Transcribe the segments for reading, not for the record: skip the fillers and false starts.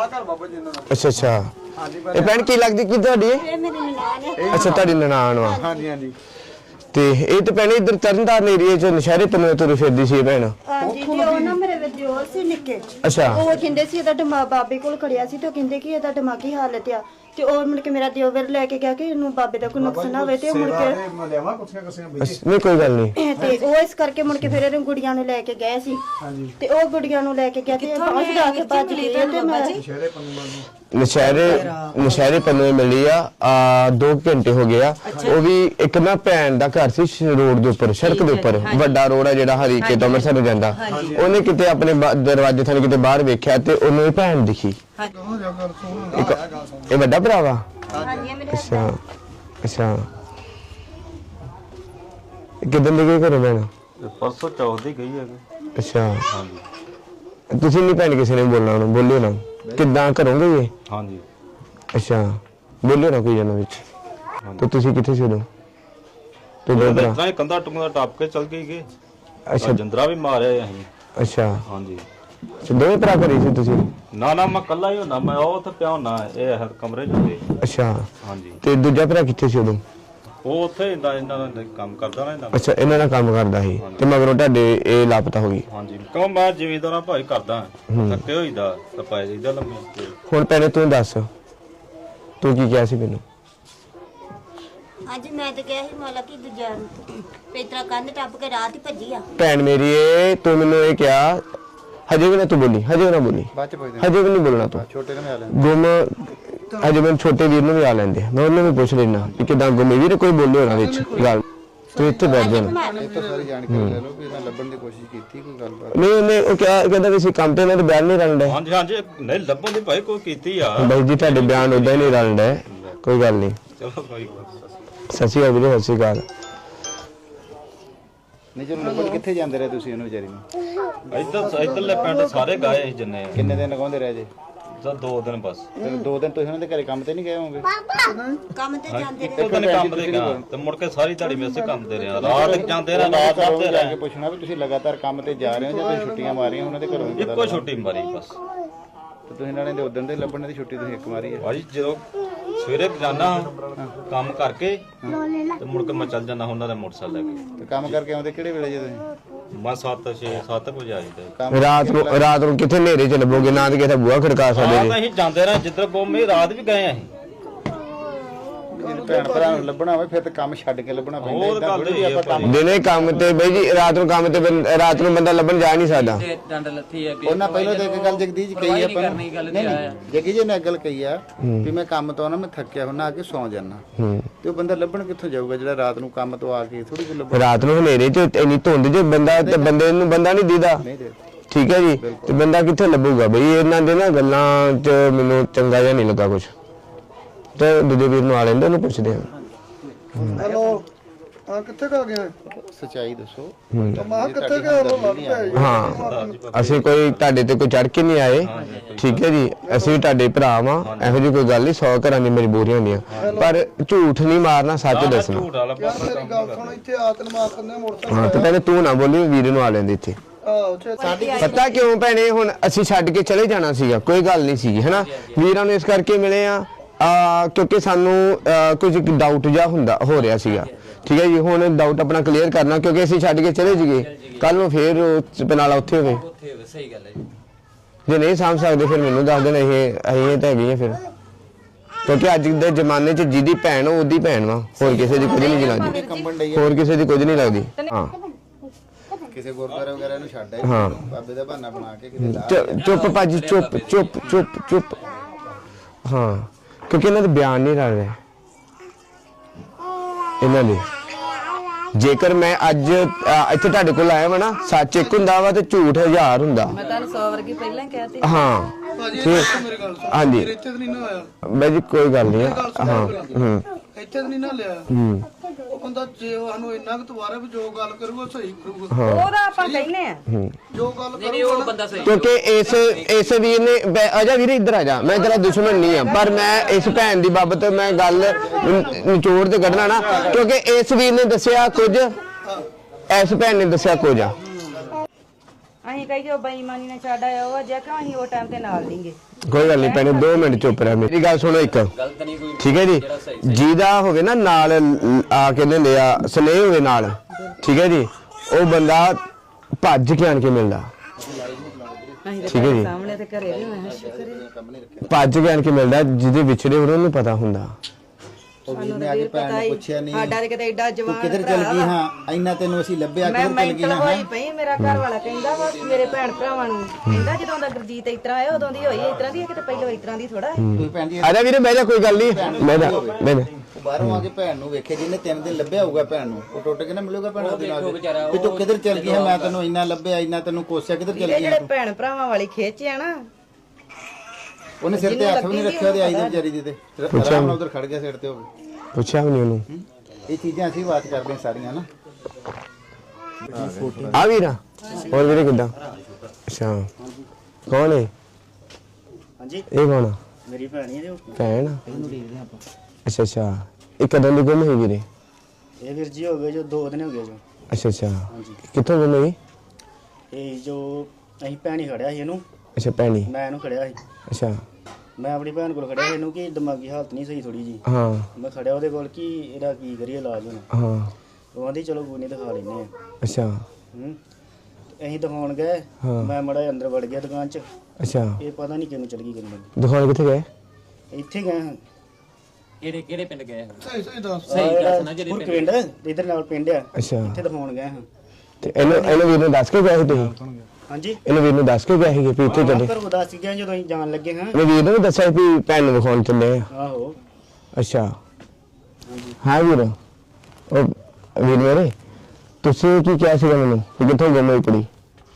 अच्छा अच्छा ये भैन की लगदी की तुहाडी अच्छा तुहाडी ननाण वा हाँ जी हाँ जी ते ये तो भैन इधर तरनताਰਨ एरिया च नशहरे पन्ने तुरी फिरदी सी भैन ਹਾਂਜੀ ਤੇ ਉਹ ਨਾ ਮੇਰੇ ਵਿਦਿਓਰ ਸੀ ਨਿੱਕੇ अच्छा ਉਹ ਕਹਿੰਦੇ ਸੀ ਇਹਦਾ ਦਿਮਾਗ ਬਾਬੇ ਕੋਲ ਖੜਿਆ ਸੀ ਤੇ ਉਹ ਕਹਿੰਦੇ ਕਿ ਇਹਦਾ ਦਿਮਾਗੀ ਹਾਲਤ ਆ ਤੇ ਉਹ ਮੁੜ ਕੇ ਮੇਰਾ ਦਿਓਰ ਲੈ ਕੇ ਗਿਆ ਕਿ ਇਹਨੂੰ ਬਾਬੇ ਦਾ ਕੋਈ ਨੁਕਸ ਨਾ ਹੋਵੇ ਤੇ ਮੁੜ ਕੇ नहीं कोई गल नहीं ਤੇ ਉਹ ਇਸ ਕਰਕੇ ਮੁੜ ਕੇ ਫਿਰ ਇਹਨੂੰ ਗੁੜੀਆਂ ਨੂੰ ਲੈ ਕੇ ਗਏ ਸੀ ਤੇ ਉਹ ਗੁੜੀਆਂ ਨੂੰ ਲੈ ਕੇ ਗਿਆ ਤੇ ਬਾਹਰ ਜਾ ਕੇ ਭੱਜ ਗਈ ਤੇ ਮੈਂ ਨਸ਼ਹਿਰੇ ਪੰਨੇ ਮਿਲੀ ਆ 2 ਘੰਟੇ ਹੋ ਗਏ ਆ ਉਹ ਵੀ ਇੱਕ ਨਾ ਭੈਣ ਦਾ ਘਰ ਸੀ ਰੋਡ ਦੇ ਉੱਪਰ ਸੜਕ ਦੇ ਉੱਪਰ ਵੱਡਾ ਰੋਡ ਆ ਜਿਹੜਾ ਹਰੀਕੇ ਤੋਂ ਅੰਮ੍ਰਿਤਸਰ ਨੂੰ ਜਾਂਦਾ ਉਹਨੇ ਕਿਤੇ ਆਪਣੇ ਦਰਵਾਜ਼ੇ ਥਾਂ ਕਿਤੇ ਬਾਹਰ ਵੇਖਿਆ ਤੇ ਉਹਨੂੰ ਇਹ ਭੈਣ ਦਿਖੀ ਇਹ ਵੱਡਾ ਭਰਾ ਵਾ ਅੱਛਾ ਅੱਛਾ ਕਿਦਾਂ ਦੇ ਗਏ ਘਰੋਂ ਭੈਣ परसों चौथ दी गई है ਅੱਛਾ हाँ जी ਤੁਸੀਂ ਨਹੀਂ ਭੈਣ ਕਿਸੇ ਨੇ ਬੋਲਣਾ ਉਹਨੂੰ ਬੋਲਿਓ ਨਾ ਕਿੱਦਾਂ ਕਰੋਗੇ ਇਹ हाँ जी ਅੱਛਾ ਬੋਲਿਓ ਨਾ ਕੋਈ ਜਨਾਂ ਵਿੱਚ ਤੇ ਤੁਸੀਂ ਕਿੱਥੇ ਸੀ ਉਦੋਂ ਤੇ ਦੋ ਭਰਾ इतना ही कंधा टुकड़ा टाप के चल गई के ਅੱਛਾ जंदरा भी मारे यहीं ਅੱਛਾ हाँ जी ਤੇ ਦੋਵੇਂ ਭਰਾ ਕਰੀ ਸੀ ਤੁਸੀਂ ना ना मैं कल्ला ही होना मैं ਉਹ ਉੱਥੇ ਪਿਆ ਹੋਣਾ ਇਹ ਹਰ ਕਮਰੇ ਚ ਹੁੰਦੇ ਅੱਛਾ हाँ जी ਤੇ ਦੂਜਾ ਭਰਾ ਕਿੱਥੇ ਸੀ ਉਦੋਂ ਉਹ ਉੱਥੇ ਇਹਨਾਂ ਦਾ ਕੰਮ ਕਰਦਾ ਨਾ ਇਹਨਾਂ ਦਾ ਅੱਛਾ ਇਹਨਾਂ ਨਾਲ ਕੰਮ ਕਰਦਾ ਸੀ ਤੇ ਮਗਰੋਂ ਤੁਹਾਡੇ ਇਹ ਲਾਪਤਾ ਹੋ ਗਈ हाँ जी ਕਿਉਂ ਮੈਂ ਜ਼ਿਮੀਂਦਾਰਾਂ ਭਾਈ ਕਰਦਾ ਥੱਕੇ ਹੋਈਦਾ ਤਾਂ ਪੈ ਜਾਈਦਾ ਲੰਮੇ ਹੁਣ ਪਹਿਲੇ ਤੂੰ ਦੱਸ ਤੂੰ ਕੀ ਕਿਹਾ ਸੀ ਮੈਨੂੰ ਅੱਜ ਮੈਂ ਤਾਂ ਕਿਹਾ ਸੀ ਮਾਲਾ ਕਿ ਦੂਜਾ ਪੇਤਰਾ ਕੰਧ ਟੱਪ ਕੇ ਰਾਤ ਹੀ ਭੱਜੀ ਆ ਭੈਣ ਮੇਰੀ ਇਹ ਤੂੰ ਮੈਨੂੰ ਇਹ ਕਿਹਾ ਹਜੇ ਵੀ ਨਾ ਤੂੰ ਬੋਲੀ ਹਜੇ ਵੀ ਨਾ ਬੋਲੀ ਬਾਅਦ ਚ ਪੁੱਛਦੇ ਹਜੇ ਵੀ ਨਹੀਂ ਬੋਲਣਾ ਤੂੰ ਛੋਟੇ ਨੂੰ ਮੈਂ ਆ ਲੈਣ ਗੁੰਮ ਅਜੇ ਮੈਂ ਛੋਟੇ ਵੀਰ ਨੂੰ ਵੀ ਆ ਲੈਂਦੇ ਮੈਂ ਉਹਨੂੰ ਵੀ ਪੁੱਛ ਲੈਣਾ ਕਿ ਕਿਦਾਂ ਗੁੰਮੇ ਵੀਰ ਕੋਈ ਬੋਲੇ ਹੋਣਾ ਵਿੱਚ ਗੱਲ ਤੂੰ ਇੱਥੇ ਬੈਠ ਜਾ ਇਹ ਤਾਂ ਸਾਰੀ ਜਾਣਕਾਰੀ ਲੈ ਲਓ ਵੀ ਮੈਂ ਲੱਭਣ ਦੀ ਕੋਸ਼ਿਸ਼ ਕੀਤੀ ਕੋਈ ਗੱਲਬਾਤ ਨਹੀਂ ਉਹਨੇ ਉਹ ਕਹਿੰਦਾ ਵੀ ਅਸੀਂ ਕੰਮ ਤੇ ਇਹਨਾਂ ਦੇ ਬਿਆਨ ਨਹੀਂ ਰਲਣ हाँ जी हाँ जी नहीं ਲੱਭਣ ਦੀ ਭਾਈ ਕੋਈ ਕੀਤੀ ਆ ਬਾਈ ਜੀ ਤੁਹਾਡੇ ਬਿਆਨ ਉਦਾਂ ਹੀ ਨਹੀਂ ਰਲਣ ਡਏ ਕੋਈ ਗੱਲ ਨਹੀਂ ਚਲੋ ਕੋਈ ਗੱਲ ਸੱਚੀ ਗੱਲ ਵੀਰੇ ਸੱਚੀ ਗੱਲ ਨਹੀਂ ਚਲੋ ਲੱਭਣ ਕਿੱਥੇ ਜਾਂਦੇ ਰਹੇ ਤੁਸੀਂ ਉਹਨੂੰ ਵਿਚਾਰੀ ਨੂੰ ਇੱਧਰਲੇ ਪਿੰਡ ਸਾਰੇ ਗਏ ਸੀ ਜਿੰਨੇ ਕਿੰਨੇ ਦਿਨ ਲਗਾਉਂਦੇ ਰਹੇ ਜੇ ਜਾਂ 2 ਦਿਨ ਬਸ ਤੇ 2 ਦਿਨ ਤੁਸੀਂ ਉਹਨਾਂ ਦੇ ਘਰੇ ਕੰਮ ਤੇ ਨਹੀਂ ਗਏ ਹੋਵੋਗੇ ਕੰਮ ਤੇ ਜਾਂਦੇ ਇੱਕੋ ਦਿਨ ਕੰਮ ਤੇ ਗਿਆ ਤੇ ਮੁੜ ਕੇ ਸਾਰੀ ਦਿਹਾੜੀ ਮੈਂ ਇਸੇ ਕੰਮ ਤੇ ਰਿਹਾ ਰਾਤ ਜਾਂਦੇ ਰਹੇ ਰਾਤ ਕਰਦੇ ਜਾ ਕੇ ਰਹੇ ਪੁੱਛਣਾ ਵੀ ਤੁਸੀਂ ਲਗਾਤਾਰ ਕੰਮ ਤੇ ਜਾ ਰਹੇ ਹੋ ਜਾਂ ਤੁਸੀਂ ਛੁੱਟੀਆਂ ਮਾਰੀਆਂ ਉਹਨਾਂ ਦੇ ਘਰੋਂ ਵੀ ਪਤਾ ਇੱਕੋ ਛੁੱਟੀ ਮਾਰੀ ਬਸ ਤੇ ਤੁਸੀਂ ਨਾਲੇ ਦੇ ਉਦੋਂ ਦੇ ਲੱਭਣ ਦੀ ਛੁੱਟੀ ਤੁਸੀਂ ਇੱਕ ਮਾਰੀ ਹੈ ਭਾਈ ਜਦੋਂ ਸਵੇਰੇ ਜਾਣਾ ਕੰਮ ਕਰਕੇ ਤੇ ਮੁੜ ਕੇ ਮੈਂ ਚੱਲ ਜਾਣਾ ਉਹਨਾਂ ਦਾ ਮੋਟਰਸਾਈਕਲ ਲੈ ਕੇ ਤੇ ਕੰਮ ਕਰਕੇ ਆਉਂਦੇ ਕਿਹੜੇ ਵੇਲੇ ਜੇ ਤੁਸੀਂ ਮੈਂ 7 ਵਜੇ ਆਈਦਾ ਰਾਤ ਨੂੰ ਕਿੱਥੇ ਹਨੇਰੇ ਚ ਲੱਭੋਗੇ ਨਾ ਤੇ ਕਿਸੇ ਬੂਹਾ ਖੜਕਾ ਸਕਦੇ ਰਾਤ ਅਸੀਂ ਜਾਂਦੇ ਰਹੇ ਜਿੱਧਰ ਗੁੰਮੇ ਰਾਤ ਵੀ ਗਏ ਅਸੀਂ ਜਿਹਨੂੰ ਭੈਣ ਭਰਾ ਨੂੰ ਲੱਭਣਾ ਹੋਵੇ ਫਿਰ ਤਾਂ ਕੰਮ ਛੱਡ ਕੇ ਲੱਭਣਾ ਪੈਂਦਾ ਉਹ ਏਦਾਂ ਗੱਲ ਥੋੜ੍ਹੀ ਵੀ ਆਪਾਂ ਕੰਮ ਦਿਨੇ ਕੰਮ ਤੇ ਬਈ ਜੀ ਰਾਤ ਨੂੰ ਕੰਮ ਤੇ ਰਾਤ ਨੂੰ ਬੰਦਾ ਲੱਭਣ ਜਾ ਨਹੀਂ ਸਕਦਾ ਡੰਡ ਲੱਥੀ ਆ ਉਹਨਾਂ ਪਹਿਲਾਂ ਤਾਂ ਇੱਕ ਗੱਲ ਜਗਦੀਸ਼ ਕਹੀ ਆਪਾਂ ਨੂੰ ਨਹੀਂ ਜਗੀ ਜੀ ਨੇ ਇੱਕ ਗੱਲ ਕਹੀ ਆ ਵੀ ਮੈਂ ਕੰਮ ਤੋਂ ਨਾ ਮੈਂ ਥੱਕਿਆ ਹੁੰਦਾ ਆ ਕੇ ਸੌਂ ਜਾਣਾ ਤੇ ਉਹ ਬੰਦਾ ਲੱਭਣ ਕਿੱਥੋਂ ਜਾਊਗਾ ਜਿਹੜਾ ਰਾਤ ਨੂੰ ਕੰਮ ਤੋਂ ਆ ਕੇ ਥੋੜੀ ਜਿਹੀ ਲੱਭਣ ਰਾਤ ਨੂੰ ਹਨੇਰੇ ਚ ਇੰਨੀ ਧੁੰਦ ਚ ਬੰਦਾ ਤੇ ਬੰਦੇ ਨੂੰ ਬੰਦਾ ਨਹੀਂ ਦੀਦਾ ਨਹੀਂ ਦੇ ਠੀਕ ਹੈ ਜੀ ਤੇ ਬੰਦਾ ਕਿੱਥੇ ਲੱਭੂਗਾ ਬਈ ਇਹਨਾਂ ਦੇ ਨਾ ਗੱਲਾਂ ਚ ਮੈਨੂੰ ਚੰਗਾ ਜਿਹਾ ਨਹੀਂ ਲੱਗਾ ਕੁਝ ਤੇ ਦੂਜੇ ਵੀਰ ਨੂੰ ਆ ਲੈਂਦੇ ਉਹਨੂੰ ਪੁੱਛਦੇ ਆ ਹੈਲੋ ਆ ਕਿੱਥੇ ਕਾ ਗਿਆ ਸੱਚਾਈ ਦੱਸੋ ਮੈਂ ਕਿੱਥੇ ਗਿਆ ਉਹ ਲੱਭ ਪਿਆ ਹਾਂ ਅਸੀਂ ਕੋਈ ਤੁਹਾਡੇ ਤੇ ਕੋਈ ਚੜ ਕੇ ਨਹੀਂ ਆਏ ਠੀਕ ਹੈ ਜੀ ਅਸੀਂ ਤੁਹਾਡੇ ਭਰਾ ਵਾਂ ਇਹੋ ਜਿਹੀ ਕੋਈ ਗੱਲ ਨਹੀਂ 100 ਘਰਾਂ ਦੀ ਮਜਬੂਰੀਆਂ ਹੁੰਦੀਆਂ ਪਰ ਝੂਠ ਨਹੀਂ ਮਾਰਨਾ ਸੱਚ ਦੱਸਣਾ ਝੂਠ ਵਾਲਾ ਯਾਰ ਮੇਰੀ ਗੱਲ ਸੁਣ ਇੱਥੇ ਆਤਨ ਮਾਰ ਕੰਨੇ ਮੋਟਰਸਾਈਕਲ ਹਾਂ ਤੇ ਪਹਿਲੇ ਤੂੰ ਨਾ ਬੋਲੀ ਵੀਰ ਨੂੰ ਆ ਲੈਂਦੇ ਇੱਥੇ ਆਹੋ ਸਾਡੀ ਪਤਾ ਕਿਉਂ ਭੈਣੇ ਹੁਣ ਅਸੀਂ ਛੱਡ ਕੇ ਚਲੇ ਜਾਣਾ ਸੀਗਾ ਕੋਈ ਗੱਲ ਨਹੀਂ ਸੀਗੀ ਹੈਨਾ ਵੀਰਾਂ ਨੂੰ ਇਸ ਕਰਕੇ ਮਿਲੇ ਆ ਕਿਉਂਕਿ ਸਾਨੂੰ ਕੁਝ ਡਾਊਟ ਜਿਹਾ ਹੋ ਰਿਹਾ ਸੀਗਾ ਠੀਕ ਹੈ ਜੀ ਹੁਣ ਡਾਊਟ ਆਪਣਾ ਕਲੀਅਰ ਕਰਨਾ ਕਿਉਂਕਿ ਅਸੀਂ ਛੱਡ ਕੇ ਚਲੇ ਜੀਏ ਕੱਲ ਨੂੰ ਫੇਰ ਪਨਾਲਾ ਉੱਥੇ ਹੋਵੇ ਸਹੀ ਗੱਲ ਹੈ ਜੇ ਨਹੀਂ ਸਾਂਭ ਸਕਦੇ ਫਿਰ ਮੈਨੂੰ ਦੱਸ ਦੇਣ ਇਹ ਤਾਂ ਹੈਗੀ ਆ ਫਿਰ ਕਿਉਂਕਿ ਅੱਜ ਦੇ ਜ਼ਮਾਨੇ 'ਚ ਜਿਹਦੀ ਭੈਣ ਉਹਦੀ ਭੈਣ ਵਾ ਹੋਰ ਕਿਸੇ ਦੀ ਕੁਝ ਨਹੀਂ ਲੱਗਦੀ ਹੋਰ ਕਿਸੇ ਦੀ ਕੁਝ ਨਹੀਂ ਲੱਗਦੀ ਹਾਂ ਕਿਸੇ ਗੁਰਦੁਆਰੇ ਵਗੈਰਾ ਨੂੰ ਛੱਡ ਆਏ ਹਾਂ ਬਾਬੇ ਦਾ ਬਹਾਨਾ ਬਣਾ ਕੇ ਕਿਤੇ ਚੁੱਪ ਭਾਜੀ ਚੁੱਪ ਹਾਂ ਕਿਉਂਕਿ ਇਹਨਾਂ ਦੇ ਬਿਆਨ ਨਹੀਂ ਰਲ ਰਹੇ ਇਹਨਾਂ ਦੇ ਜੇਕਰ ਮੈਂ ਅੱਜ ਇੱਥੇ ਤੁਹਾਡੇ ਕੋਲ ਆਇਆ ਵਾ ਨਾ ਸੱਚ ਇੱਕ ਹੁੰਦਾ ਵਾ ਤੇ ਝੂਠ 1000 ਹੁੰਦਾ ਮੈਂ ਤੁਹਾਨੂੰ 100 ਵਰਗੀ ਪਹਿਲਾਂ ਕਹਿਤੀ ਹਾਂ ਭਾਜੀ ਮੇਰੀ ਗੱਲ ਸੁਣ ਹਾਂਜੀ ਇੱਥੇ ਤਾਂ ਨਹੀਂ ਨਾ ਆਇਆ ਬਾਈ ਜੀ ਕੋਈ ਗੱਲ ਨਹੀਂ ਹਾਂ ਇੱਥੇ ਤਾਂ ਨਹੀਂ ਨਾ ਲਿਆ ਉਹ ਬੰਦਾ ਜੇ ਸਾਨੂੰ ਇੰਨਾ ਕੁ ਦੁਬਾਰਾ ਵੀ ਜੋ ਗੱਲ ਕਰੂਗਾ ਸਹੀ ਕਰੂਗਾ ਉਹਦਾ ਆਪਾਂ ਕਹਿੰਨੇ ਆ ਜੋ ਗੱਲ ਨਹੀਂ ਉਹ ਬੰਦਾ ਸਹੀ ਕਿਉਂਕਿ ਇਸ ਵੀਰ ਨੇ ਆਜਾ ਵੀਰੇ ਇੱਧਰ ਆ ਜਾ ਮੈਂ ਤੇਰਾ ਦੁਸ਼ਮਣ ਨਹੀਂ ਆ ਪਰ ਮੈਂ ਇਸ ਭੈਣ ਦੀ ਬਾਬਤ ਮੈਂ ਗੱਲ ਨਿਚੋੜ ਤੇ ਕੱਢਣਾ ਨਾ ਕਿਉਂਕਿ ਇਸ ਵੀਰ ਨੇ ਦੱਸਿਆ ਕੁਝ ਇਸ ਭੈਣ ਨੇ ਦੱਸਿਆ ਕੁਝ ਆ ਅਸੀਂ ਕਹੀ ਜੋ ਬੇਈਮਾਨੀ ਨਾਲ ਛੱਡ ਆਇਆ ਉਹ ਜੇ ਕਿ ਅਸੀਂ ਉਹ ਟਾਈਮ ਤੇ ਨਾਲ ਨਹੀਂਗੇ। ਕੋਈ ਗੱਲ ਨਹੀਂ ਭੈਣੇ 2 ਮਿੰਟ ਚੁੱਪ ਰਹਿ, ਮੇਰੀ ਗੱਲ ਸੁਣੋ ਇੱਕ, ਗਲਤ ਨਹੀਂ ਕੋਈ, ਠੀਕ ਹੈ ਜੀ। ਜਿਹਦਾ ਹੋਵੇ ਨਾ ਨਾਲ ਆ ਕੇ ਲੈਂਦੇ ਆ ਸਨੇਹ ਹੋਵੇ ਨਾਲ, ਠੀਕ ਹੈ ਜੀ, ਉਹ ਬੰਦਾ ਭੱਜ ਕੇ ਆਣ ਕੇ ਮਿਲਦਾ, ਅਸੀਂ ਠੀਕ ਹੈ ਜੀ। ਸਾਹਮਣੇ ਤੇ ਘਰੇ ਵੀ ਮੈਂ ਸ਼ੁਕਰ ਭੱਜ ਕੇ ਆਣ ਕੇ ਮਿਲਦਾ, ਜਿਹਦੇ ਵਿਛੜੇ ਉਹਨਾਂ ਨੂੰ ਪਤਾ ਹੁੰਦਾ। ਉਹ ਵੀਰ ਨੇ ਆ ਕੇ ਭੈਣ ਨੂੰ ਪੁੱਛਿਆ ਨਹੀਂ ਸਾਡਾ ਤੇ ਕਿਤੇ ਐਡਾ ਤੂੰ ਜਵਾਨ ਕਿੱਧਰ ਚਲ ਗਈ? ਹਾਂ ਇੰਨਾ ਤੈਨੂੰ ਅਸੀਂ ਲੱਭਿਆ, ਮੈਂ ਕਿੱਧਰ ਚਲ ਗਈ? ਮੈਂਟਲ ਹਾਂ ਹੋਈ ਪਈ। ਮੇਰਾ ਘਰ ਵਾਲਾ ਕਹਿੰਦਾ ਵਾ ਮੇਰੇ ਭੈਣ ਭਰਾਵਾਂ ਨੂੰ, ਕਹਿੰਦਾ ਜਦੋਂ ਦਾ ਗੁਰਜੀਤ ਇਸ ਤਰ੍ਹਾਂ ਆਇਆ ਉਦੋਂ ਦੀ ਹੋਈ ਇਸ ਤਰ੍ਹਾਂ ਦੀ, ਕਿਤੇ ਪਹਿਲਾਂ ਇਸ ਤਰ੍ਹਾਂ ਦੀ ਥੋੜਾ ਤੂੰ ਭੈਣ ਜੀ ਆ ਜਾ ਵੀਰੇ ਬਹਿ ਜਾ, ਕੋਈ ਗੱਲ ਨਹੀਂ, ਬਹਿ ਜਾ ਬਹਿ ਜਾ। ਉਹ ਬਾਹਰੋਂ ਆ ਕੇ ਭੈਣ ਨੂੰ ਵੇਖੇ, ਜਿਹਨੇ 3 ਦਿਨ ਲੱਭਿਆ ਹੋਊਗਾ ਭੈਣ ਨੂੰ, ਉਹ ਟੁੱਟ ਕੇ ਨਾ ਮਿਲੂਗਾ ਭੈਣ ਉਹਦੇ ਨਾਲ ਵੀ ਤੂੰ ਕਿੱਧਰ ਚਲ ਗਈ? ਮੈਂ ਤੈਨੂੰ ਇੰਨਾ ਲੱਭਿਆ, ਇੰਨਾ ਤੈਨੂੰ ਕੋਸਿਆ, ਕਿੱਧਰ ਚਲ ਗਈ? ਜਿਹੜੇ ਭੈਣ ਭਰਾਵਾਂ ਵਾਲੀ ਖਿੱਚ ਆ ਨਾ, ਉਹਨੇ ਸਿਰ ਤੇ ਹੱਥ ਵੀ ਨਹੀਂ ਰੱਖਿਆ, ਉਹਦੇ ਆਈ ਦੇ ਵਿਚਾਰੀ ਦੇ ਤੇ ਆਰਾਮ ਨਾਲ ਉਧਰ ਖੜ ਗਿਆ ਸਿਰ ਤੇ ਉਹ। ਪੁੱਛਿਆ ਵੀ ਨਹੀਂ ਉਹਨੂੰ। ਇਹ ਚੀਜ਼ਾਂ ਅਸੀਂ ਬਾਤ ਕਰਦੇ ਹਾਂ ਸਾਰੀਆਂ ਨਾ। ਆ ਵੀਰਾ, ਹੋਰ ਵੀਰੇ ਕਿੱਦਾਂ? ਅੱਛਾ, ਕੌਣ ਹੈ? ਹਾਂਜੀ ਇਹ ਕੌਣ ਆ? ਮੇਰੀ ਭੈਣ ਹੀ ਹੈ ਭੈਣ? ਅੱਛਾ ਅੱਛਾ, ਇਹ ਕਦੋਂ ਦੀ ਗੁੰਮ ਹੋਈ ਵੀਰੇ? ਇਹ ਵੀਰ ਜੀ ਹੋ ਗਏ ਜੋ 2 ਦਿਨ ਹੋ ਗਏ ਜੋ। ਅੱਛਾ ਅੱਛਾ, ਹਾਂਜੀ ਕਿੱਥੋਂ ਗੁੰਮ ਹੋਈ? ਇਹ ਜੋ ਅਸੀਂ ਭੈਣ ਹੀ ਖੜਿਆ ਸੀ ਇਹਨੂੰ, ਅੱਛਾ ਭੈਣੀ, ਮੈਂ ਇਹਨੂੰ ਖੜਿਆ ਸੀ। ਅੱਛਾ ਮੈਂ ਆਪਣੀ ਭੈਣ ਕੋਲ ਖੜਿਆ ਸੀ ਇਹਨੂੰ ਕਿ ਦਿਮਾਗੀ ਹਾਲਤ ਨਹੀਂ ਸਹੀ ਥੋੜੀ ਜੀ। ਹਾਂ ਮੈਂ ਖੜਿਆ ਉਹਦੇ ਕੋਲ ਕਿ ਇਹਦਾ ਕੀ ਕਰੀਏ ਇਲਾਜ ਹੁਣ। ਹਾਂ ਉਹ ਆਂਦੀ ਚਲੋ ਕੋਈ ਨਹੀਂ ਦਿਖਾ ਲੈਨੇ ਆ। ਅੱਛਾ ਤੇ ਅਸੀਂ ਦਿਖਾਉਣ ਗਏ, ਹਾਂ। ਮੈਂ ਮੜਾ ਅੰਦਰ ਵੜ ਗਿਆ ਦੁਕਾਨ 'ਚ, ਅੱਛਾ, ਇਹ ਪਤਾ ਨਹੀਂ ਕਿਹਨੂੰ ਚਲ ਗਈ ਕਿਹਨੂੰ। ਦੁਕਾਨ ਕਿੱਥੇ ਗਏ? ਇੱਥੇ ਗਏ ਹਾਂ ਕਿਹੜੇ ਪਿੰਡ ਗਏ? ਸਹੀ ਦੱਸ। ਹੋਰ ਪਿੰਡ ਇਧਰ ਨਾਲ ਪਿੰਡ ਆ, ਅੱਛਾ, ਇੱਥੇ ਦਿਖਾਉਣ ਗਏ ਹਾਂ। ਤੇ ਇਹਨੂੰ ਵੀਰ ਨੂੰ ਦੱਸ ਕੇ ਗਏ ਸੀ ਤੁਸੀਂ? ਹਾਂਜੀ ਇਹਨੂੰ ਵੀਰ ਨੂੰ ਦੱਸ ਕੇ ਗਏ ਸੀ ਵੀ ਇੱਥੇ ਚੱਲੇ? ਘਰੋਂ ਦੱਸ ਕੇ ਗਏ ਜਦੋਂ ਅਸੀਂ ਜਾਣ ਲੱਗੇ ਹਾਂ। ਇਹਨੇ ਵੀਰ ਨੂੰ ਵੀ ਦੱਸਿਆ ਵੀ ਭੈਣ ਨੂੰ ਵਿਖਾਉਣ ਚੱਲੇ ਆ? ਆਹੋ ਅੱਛਾ ਹਾਂ ਵੀਰ, ਉਹ ਵੀਰ ਮੇਰੇ ਤੁਸੀਂ ਕੀ ਕਿਹਾ ਸੀਗਾ ਮੈਨੂੰ ਕਿ ਕਿੱਥੋਂ ਗੁੰਮ ਹੋਈ ਕੁੜੀ?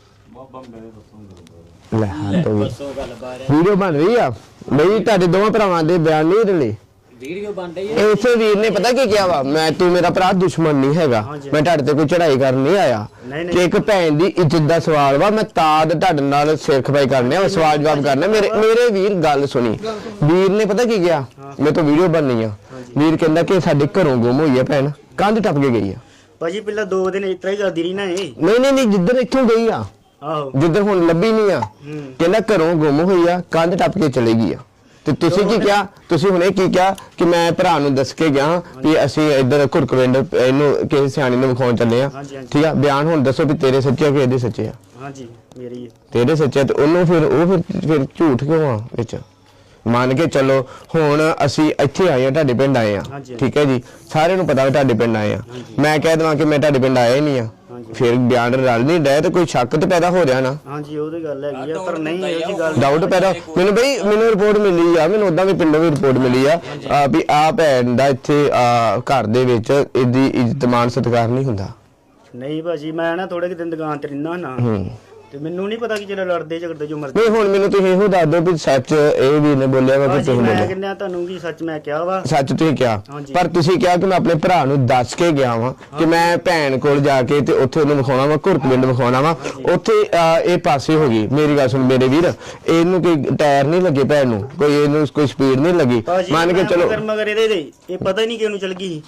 ਲੈ ਹਾਂ ਤਾਂ ਵੀਡੀਓ ਬਣ ਰਹੀ ਆ ਬਈ, ਤੁਹਾਡੇ ਦੋਵਾਂ ਭਰਾਵਾਂ ਦੇ ਬਿਆਨ ਨਹੀਂ ਰਲੇ, ਵੀਡੀਓ ਬਣ ਰਹੀ ਇਸੇ ਵੀਰ ਨੇ ਪਤਾ ਕੀ ਕਿਹਾ ਵਾ, ਮੈਂ ਤੂੰ ਮੇਰਾ ਭਰਾ ਦੁਸ਼ਮਣ ਨਹੀਂ ਹੈਗਾ, ਮੈਂ ਤੁਹਾਡੇ ਤੇ ਕੋਈ ਚੜਾਈ ਕਰਨ ਨਹੀਂ ਆਇਆ, ਕਿ ਇੱਕ ਭੈਣ ਦੀ ਇੱਜ਼ਤ ਦਾ ਸਵਾਲ ਵਾ, ਮੈਂ ਤਾਂ ਤੁਹਾਡੇ ਨਾਲ ਸਿਰ ਖਪਾਈ ਕਰਨੇ ਆ, ਸਵਾਲ ਜਵਾਬ ਕਰਨਾ। ਮੇਰੇ ਵੀਰ ਗੱਲ ਸੁਣੀ, ਵੀਰ ਨੇ ਪਤਾ ਕੀ ਕਿਹਾ, ਮੇਰੇ ਤੋਂ ਵੀਡੀਓ ਬਣਨੀ ਆ, ਵੀਰ ਕਹਿੰਦਾ ਕਿ ਸਾਡੇ ਘਰੋਂ ਗੁੰਮ ਹੋਈ ਆ ਭੈਣ, ਕੰਧ ਟੱਪ ਕੇ ਗਈ ਆ। ਭਾਜੀ ਪਹਿਲਾਂ 2 ਦਿਨ ਇਸ ਤਰ੍ਹਾਂ ਹੀ ਕਰਦੀ ਰਹੀ ਨਾ ਇਹ। ਨਹੀਂ ਜਿੱਧਰ ਇੱਥੋਂ ਗਈ ਆ, ਆਹੋ ਜਿੱਧਰ ਹੁਣ ਲੱਭੀ ਨਹੀਂ ਆ, ਕਹਿੰਦਾ ਘਰੋਂ ਗੁੰਮ ਹੋਈ ਆ, ਕੰਧ ਟੱਪ ਕੇ ਚਲੇ ਗਈ ਆ। ਤੇ ਤੁਸੀਂ ਕੀ ਕਿਹਾ? ਤੁਸੀਂ ਹੁਣੇ ਕੀ ਕਿਹਾ ਕਿ ਮੈਂ ਭਰਾ ਨੂੰ ਦੱਸ ਕੇ ਗਿਆ ਕਿ ਅਸੀਂ ਇੱਧਰ ਘੁਰਕਵਿੰਡ ਇਹਨੂੰ ਕਿਸੇ ਸਿਆਣੀ ਨੂੰ ਵਿਖਾਉਣ ਚੱਲੇ ਆ, ਠੀਕ ਆ? ਬਿਆਨ ਹੁਣ ਦੱਸੋ ਵੀ ਤੇਰੇ ਸੱਚੇ ਆ ਕਿ ਇਹਦੇ ਸੱਚੇ ਆ? ਹਾਂਜੀ ਮੇਰੀ ਹੈ। ਤੇਰੇ ਸੱਚੇ ਤੇ ਉਹਨੂੰ ਫਿਰ ਝੂਠ ਕਿਉਂ ਆ ਵਿੱਚ? ਮੰਨ ਕੇ ਚੱਲੋ ਹੁਣ ਅਸੀਂ ਇੱਥੇ ਆਏ ਆ, ਤੁਹਾਡੇ ਪਿੰਡ ਆਏ ਆ, ਠੀਕ ਹੈ ਜੀ, ਸਾਰਿਆਂ ਨੂੰ ਪਤਾ ਵੀ ਤੁਹਾਡੇ ਪਿੰਡ ਆਏ ਆ, ਮੈਂ ਕਹਿ ਦਵਾਂ ਕਿ ਮੈਂ ਤੁਹਾਡੇ ਪਿੰਡ ਆਇਆ ਹੀ ਨਹੀਂ ਆ, ਫਿਰ ਬਿਆਨ ਰਲ ਨਹੀਂ ਡਿਆ ਤੇ ਕੋਈ ਸ਼ੱਕ ਤੇ ਪੈਦਾ ਹੋ ਰਿਹਾ ਨਾ। ਹਾਂਜੀ ਉਹ ਤੇ ਗੱਲ ਹੈਗੀ ਆ, ਪਰ ਨਹੀਂ ਇਹ ਜੀ ਗੱਲ ਡਾਊਟ ਪੈਦਾ ਮੈਨੂੰ ਰਿਪੋਰਟ ਮਿਲੀ ਆ, ਮੈਨੂੰ ਉਦਾਂ ਵੀ ਪਿੰਡੋਂ ਵੀ ਰਿਪੋਰਟ ਮਿਲੀ ਆ ਵੀ ਆ ਭੈਣ ਦਾ ਇੱਥੇ ਘਰ ਦੇ ਵਿੱਚ ਇਹਦੀ ਇੱਜ਼ਤ ਮਾਨ ਸਤਿਕਾਰ ਨਹੀਂ ਹੁੰਦਾ। ਨਹੀਂ ਭਾਜੀ ਮੈਂ ਨਾ ਥੋੜੇ ਕਿ ਦਿਨ ਦੁਕਾਨ ਤੇ ਰਹਿਣਾ ਨਾ, ਤੇ ਮੈਨੂੰ ਨਹੀਂ ਪਤਾ ਕਿ ਜਦੋਂ ਲੜਦੇ ਝਗੜਦੇ ਜੋ ਮਰਜ਼ੀ। ਨਹੀਂ ਹੁਣ ਮੈਨੂੰ ਤੁਸੀਂ ਇਹੋ ਦੱਸ ਦਿਓ ਵੀ ਸੱਚ ਇਹ ਵੀ ਨੇ ਬੋਲਿਆ ਵਾ ਕਿ ਤੁਸੀਂ ਮੈਂ ਬੋਲਿਆ? ਕਹਿੰਦਾ ਤੁਹਾਨੂੰ ਕਿ ਸੱਚ ਮੈਂ ਕਿਹਾ ਵਾ। ਸੱਚ ਤੁਸੀਂ ਕਿਹਾ, ਪਰ ਤੁਸੀਂ ਕਿਹਾ ਕਿ ਮੈਂ ਆਪਣੇ ਭਰਾ ਨੂੰ ਦੱਸ ਕੇ ਗਿਆ ਵਾਂ ਕਿ ਮੈਂ ਭੈਣ ਕੋਲ ਜਾ ਕੇ ਤੇ ਉੱਥੇ ਉਹਨੂੰ ਵਿਖਾਉਣਾ ਵਾ, ਘੁਰਕਵਿੰਡ ਵਿਖਾਉਣਾ ਵਾ, ਉੱਥੇ ਇਹ ਪਾਸੇ ਹੋ ਗਈ। ਮੇਰੀ ਗੱਲ ਸੁਣ ਮੇਰੇ ਵੀਰ, ਇਹਨੂੰ ਕੋਈ ਟਾਇਰ ਨਹੀਂ ਲੱਗੇ ਭੈਣ ਨੂੰ, ਕੋਈ ਇਹਨੂੰ ਕੋਈ ਸਪੀਡ ਨਹੀਂ ਲੱਗੀ, ਮੰਨ ਕੇ ਚਲੋ ਮਗਰ ਇਹਦੇ ਇਹ ਪਤਾ ਹੀ ਨਹੀਂ ਕਿਹਨੂੰ ਚਲ ਗਈ।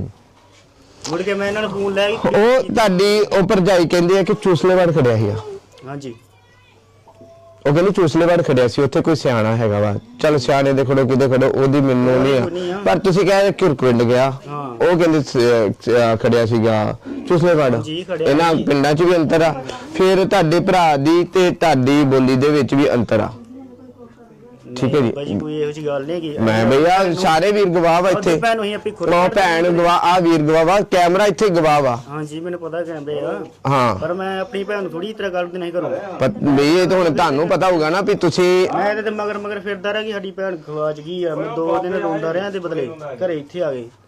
ਮੁੜ ਕੇ ਮੈਂ ਇਹਨਾਂ ਨੂੰ ਫੋਨ ਲੈ ਕੇ ਉਹ ਤੁਹਾਡੀ ਉਹ ਭਰਜਾਈ ਕਹਿੰਦੀ ਆ ਕਿ ਚੂਸਲੇਵਾੜ ਖੜਿਆ ਸੀਗਾ। ਹਾਂਜੀ ਉਹ ਕਹਿੰਦੀ ਚੂਸਲੇਵਾੜ ਖੜਿਆ ਸੀ, ਉੱਥੇ ਕੋਈ ਸਿਆਣਾ ਹੈਗਾ ਵਾ, ਚਲ ਸਿਆਣੇ ਦੇ ਖੜੋ ਕਿਤੇ ਖੜੋ ਉਹਦੀ ਮੈਨੂੰ ਨਹੀਂ ਆ, ਪਰ ਤੁਸੀਂ ਕਹਿੰਦੇ ਘੁਰਕਵਿੰਡ ਗਿਆ, ਉਹ ਕਹਿੰਦੇ ਖੜਿਆ ਸੀਗਾ ਚੂਸਲੇਵਾੜ। ਇਹਨਾਂ ਪਿੰਡਾਂ 'ਚ ਵੀ ਅੰਤਰ ਆ, ਫਿਰ ਤੁਹਾਡੇ ਭਰਾ ਦੀ ਤੇ ਤੁਹਾਡੀ ਬੋਲੀ ਦੇ ਵਿੱਚ ਵੀ ਅੰਤਰ ਆ, ਠੀਕ ਹੈ ਜੀ? ਭਾਜੀ ਕੋਈ ਇਹੋ ਜਿਹੀ ਗੱਲ ਨਹੀਂ ਹੈਗੀ। ਮੈਂ ਭਈਆ ਸਾਰੇ ਵੀਰ ਗਵਾਹ ਵਾ ਇੱਥੇ, ਭੈਣ ਹੋਈ ਆਪਣੀ ਖੁਦ ਉਹ ਭੈਣ ਗਵਾਹ, ਆ ਵੀਰ ਗਵਾਹ ਵਾ, ਕੈਮਰਾ ਇੱਥੇ ਗਵਾਹ ਵਾ। ਹਾਂਜੀ ਮੈਨੂੰ ਪਤਾ ਕਹਿੰਦੇ ਆ, ਹਾਂ ਪਰ ਮੈਂ ਆਪਣੀ ਭੈਣ ਨੂੰ ਥੋੜੀ ਤਰ੍ਹਾਂ ਗੱਲ ਨਹੀਂ ਕਰੂੰ। ਬਈ ਇਹ ਤਾਂ ਹੁਣ ਤੁਹਾਨੂੰ ਪਤਾ ਹੋਊਗਾ ਨਾ ਵੀ ਤੁਸੀਂ ਮੈਂ ਇਹਦੇ ਮਗਰ ਫਿਰਦਾ ਰਿਹਾ ਕਿ ਸਾਡੀ ਭੈਣ ਖਵਾਜ ਗਈ ਆ, ਮੈਂ 2 ਦਿਨ ਰੋਂਦਾ ਰਿਹਾ ਤੇ ਬਦਲੇ ਘਰੇ ਇੱਥੇ ਆ ਗਏ।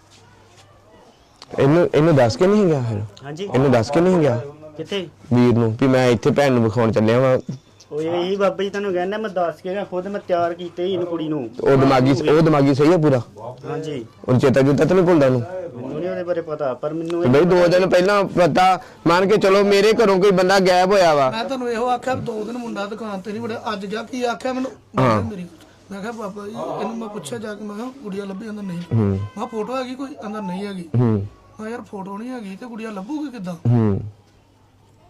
ਇਹਨੂੰ ਦੱਸ ਕੇ ਨਹੀਂ ਗਿਆ? ਫਿਰ ਹਾਂਜੀ ਇਹਨੂੰ ਦੱਸ ਕੇ ਨਹੀਂ ਗਿਆ ਕਿੱਥੇ ਵੀਰ ਨੂੰ ਵੀ ਮੈਂ ਇੱਥੇ ਭੈਣ ਨੂੰ ਵਿਖਾਉਣ ਚੱਲਿਆ ਵਾਂ? ਉਹ ਇਹੀ ਬਾਬਾ ਜੀ ਤੁਹਾਨੂੰ ਕਹਿੰਦਾ ਮੈਂ ਦੱਸ ਕੇ ਗਿਆ, ਖੁਦ ਮੈਂ ਤਿਆਰ ਕੀਤੇ ਹੀ ਇਹਨੂੰ ਕੁੜੀ ਨੂੰ। ਉਹ ਦਿਮਾਗੀ ਸਹੀ ਆ ਪੂਰਾ? ਹਾਂਜੀ ਉਹ ਚੇਤਾ ਜੁਤਾ ਤਾਂ ਨਹੀਂ ਭੁੱਲਦਾ ਉਹਨੂੰ? ਮੈਨੂੰ ਨਹੀਂ ਉਹਦੇ ਬਾਰੇ ਪਤਾ, ਪਰ ਮੈਨੂੰ ਬਈ 2 ਦਿਨ ਪਹਿਲਾਂ ਪਤਾ, ਮੰਨ ਕੇ ਚਲੋ ਮੇਰੇ ਘਰੋਂ ਕੋਈ ਬੰਦਾ ਗਾਇਬ ਹੋਇਆ ਵਾ, ਮੈਂ ਤੁਹਾਨੂੰ ਇਹੋ ਆਖਿਆ 2 ਦਿਨ ਮੁੰਡਾ ਦੁਕਾਨ ਤੇ ਨਹੀਂ ਵੜਿਆ, ਅੱਜ ਜਾ ਕੀ ਆਖਿਆ ਮੈਨੂੰ ਮੇਰੀ, ਮੈਂ ਕਿਹਾ ਬਾਬਾ ਜੀ ਇਹਨੂੰ ਮੈਂ ਪੁੱਛਿਆ ਜਾ ਕੇ, ਮੈਂ ਕਿਹਾ ਗੁੜੀਆ ਲੱਭੀ? ਅੰਦਰ ਨਹੀਂ। ਮੈਂ ਫੋਟੋ ਹੈਗੀ ਕੋਈ? ਅੰਦਰ ਨਹੀਂ ਹੈਗੀ। ਮੈਂ ਯਾਰ ਫੋਟੋ ਨਹੀਂ ਹੈਗੀ ਤੇ ਗੁੜੀਆ ਲੱਭੂਗੀ ਕਿੱਦਾਂ?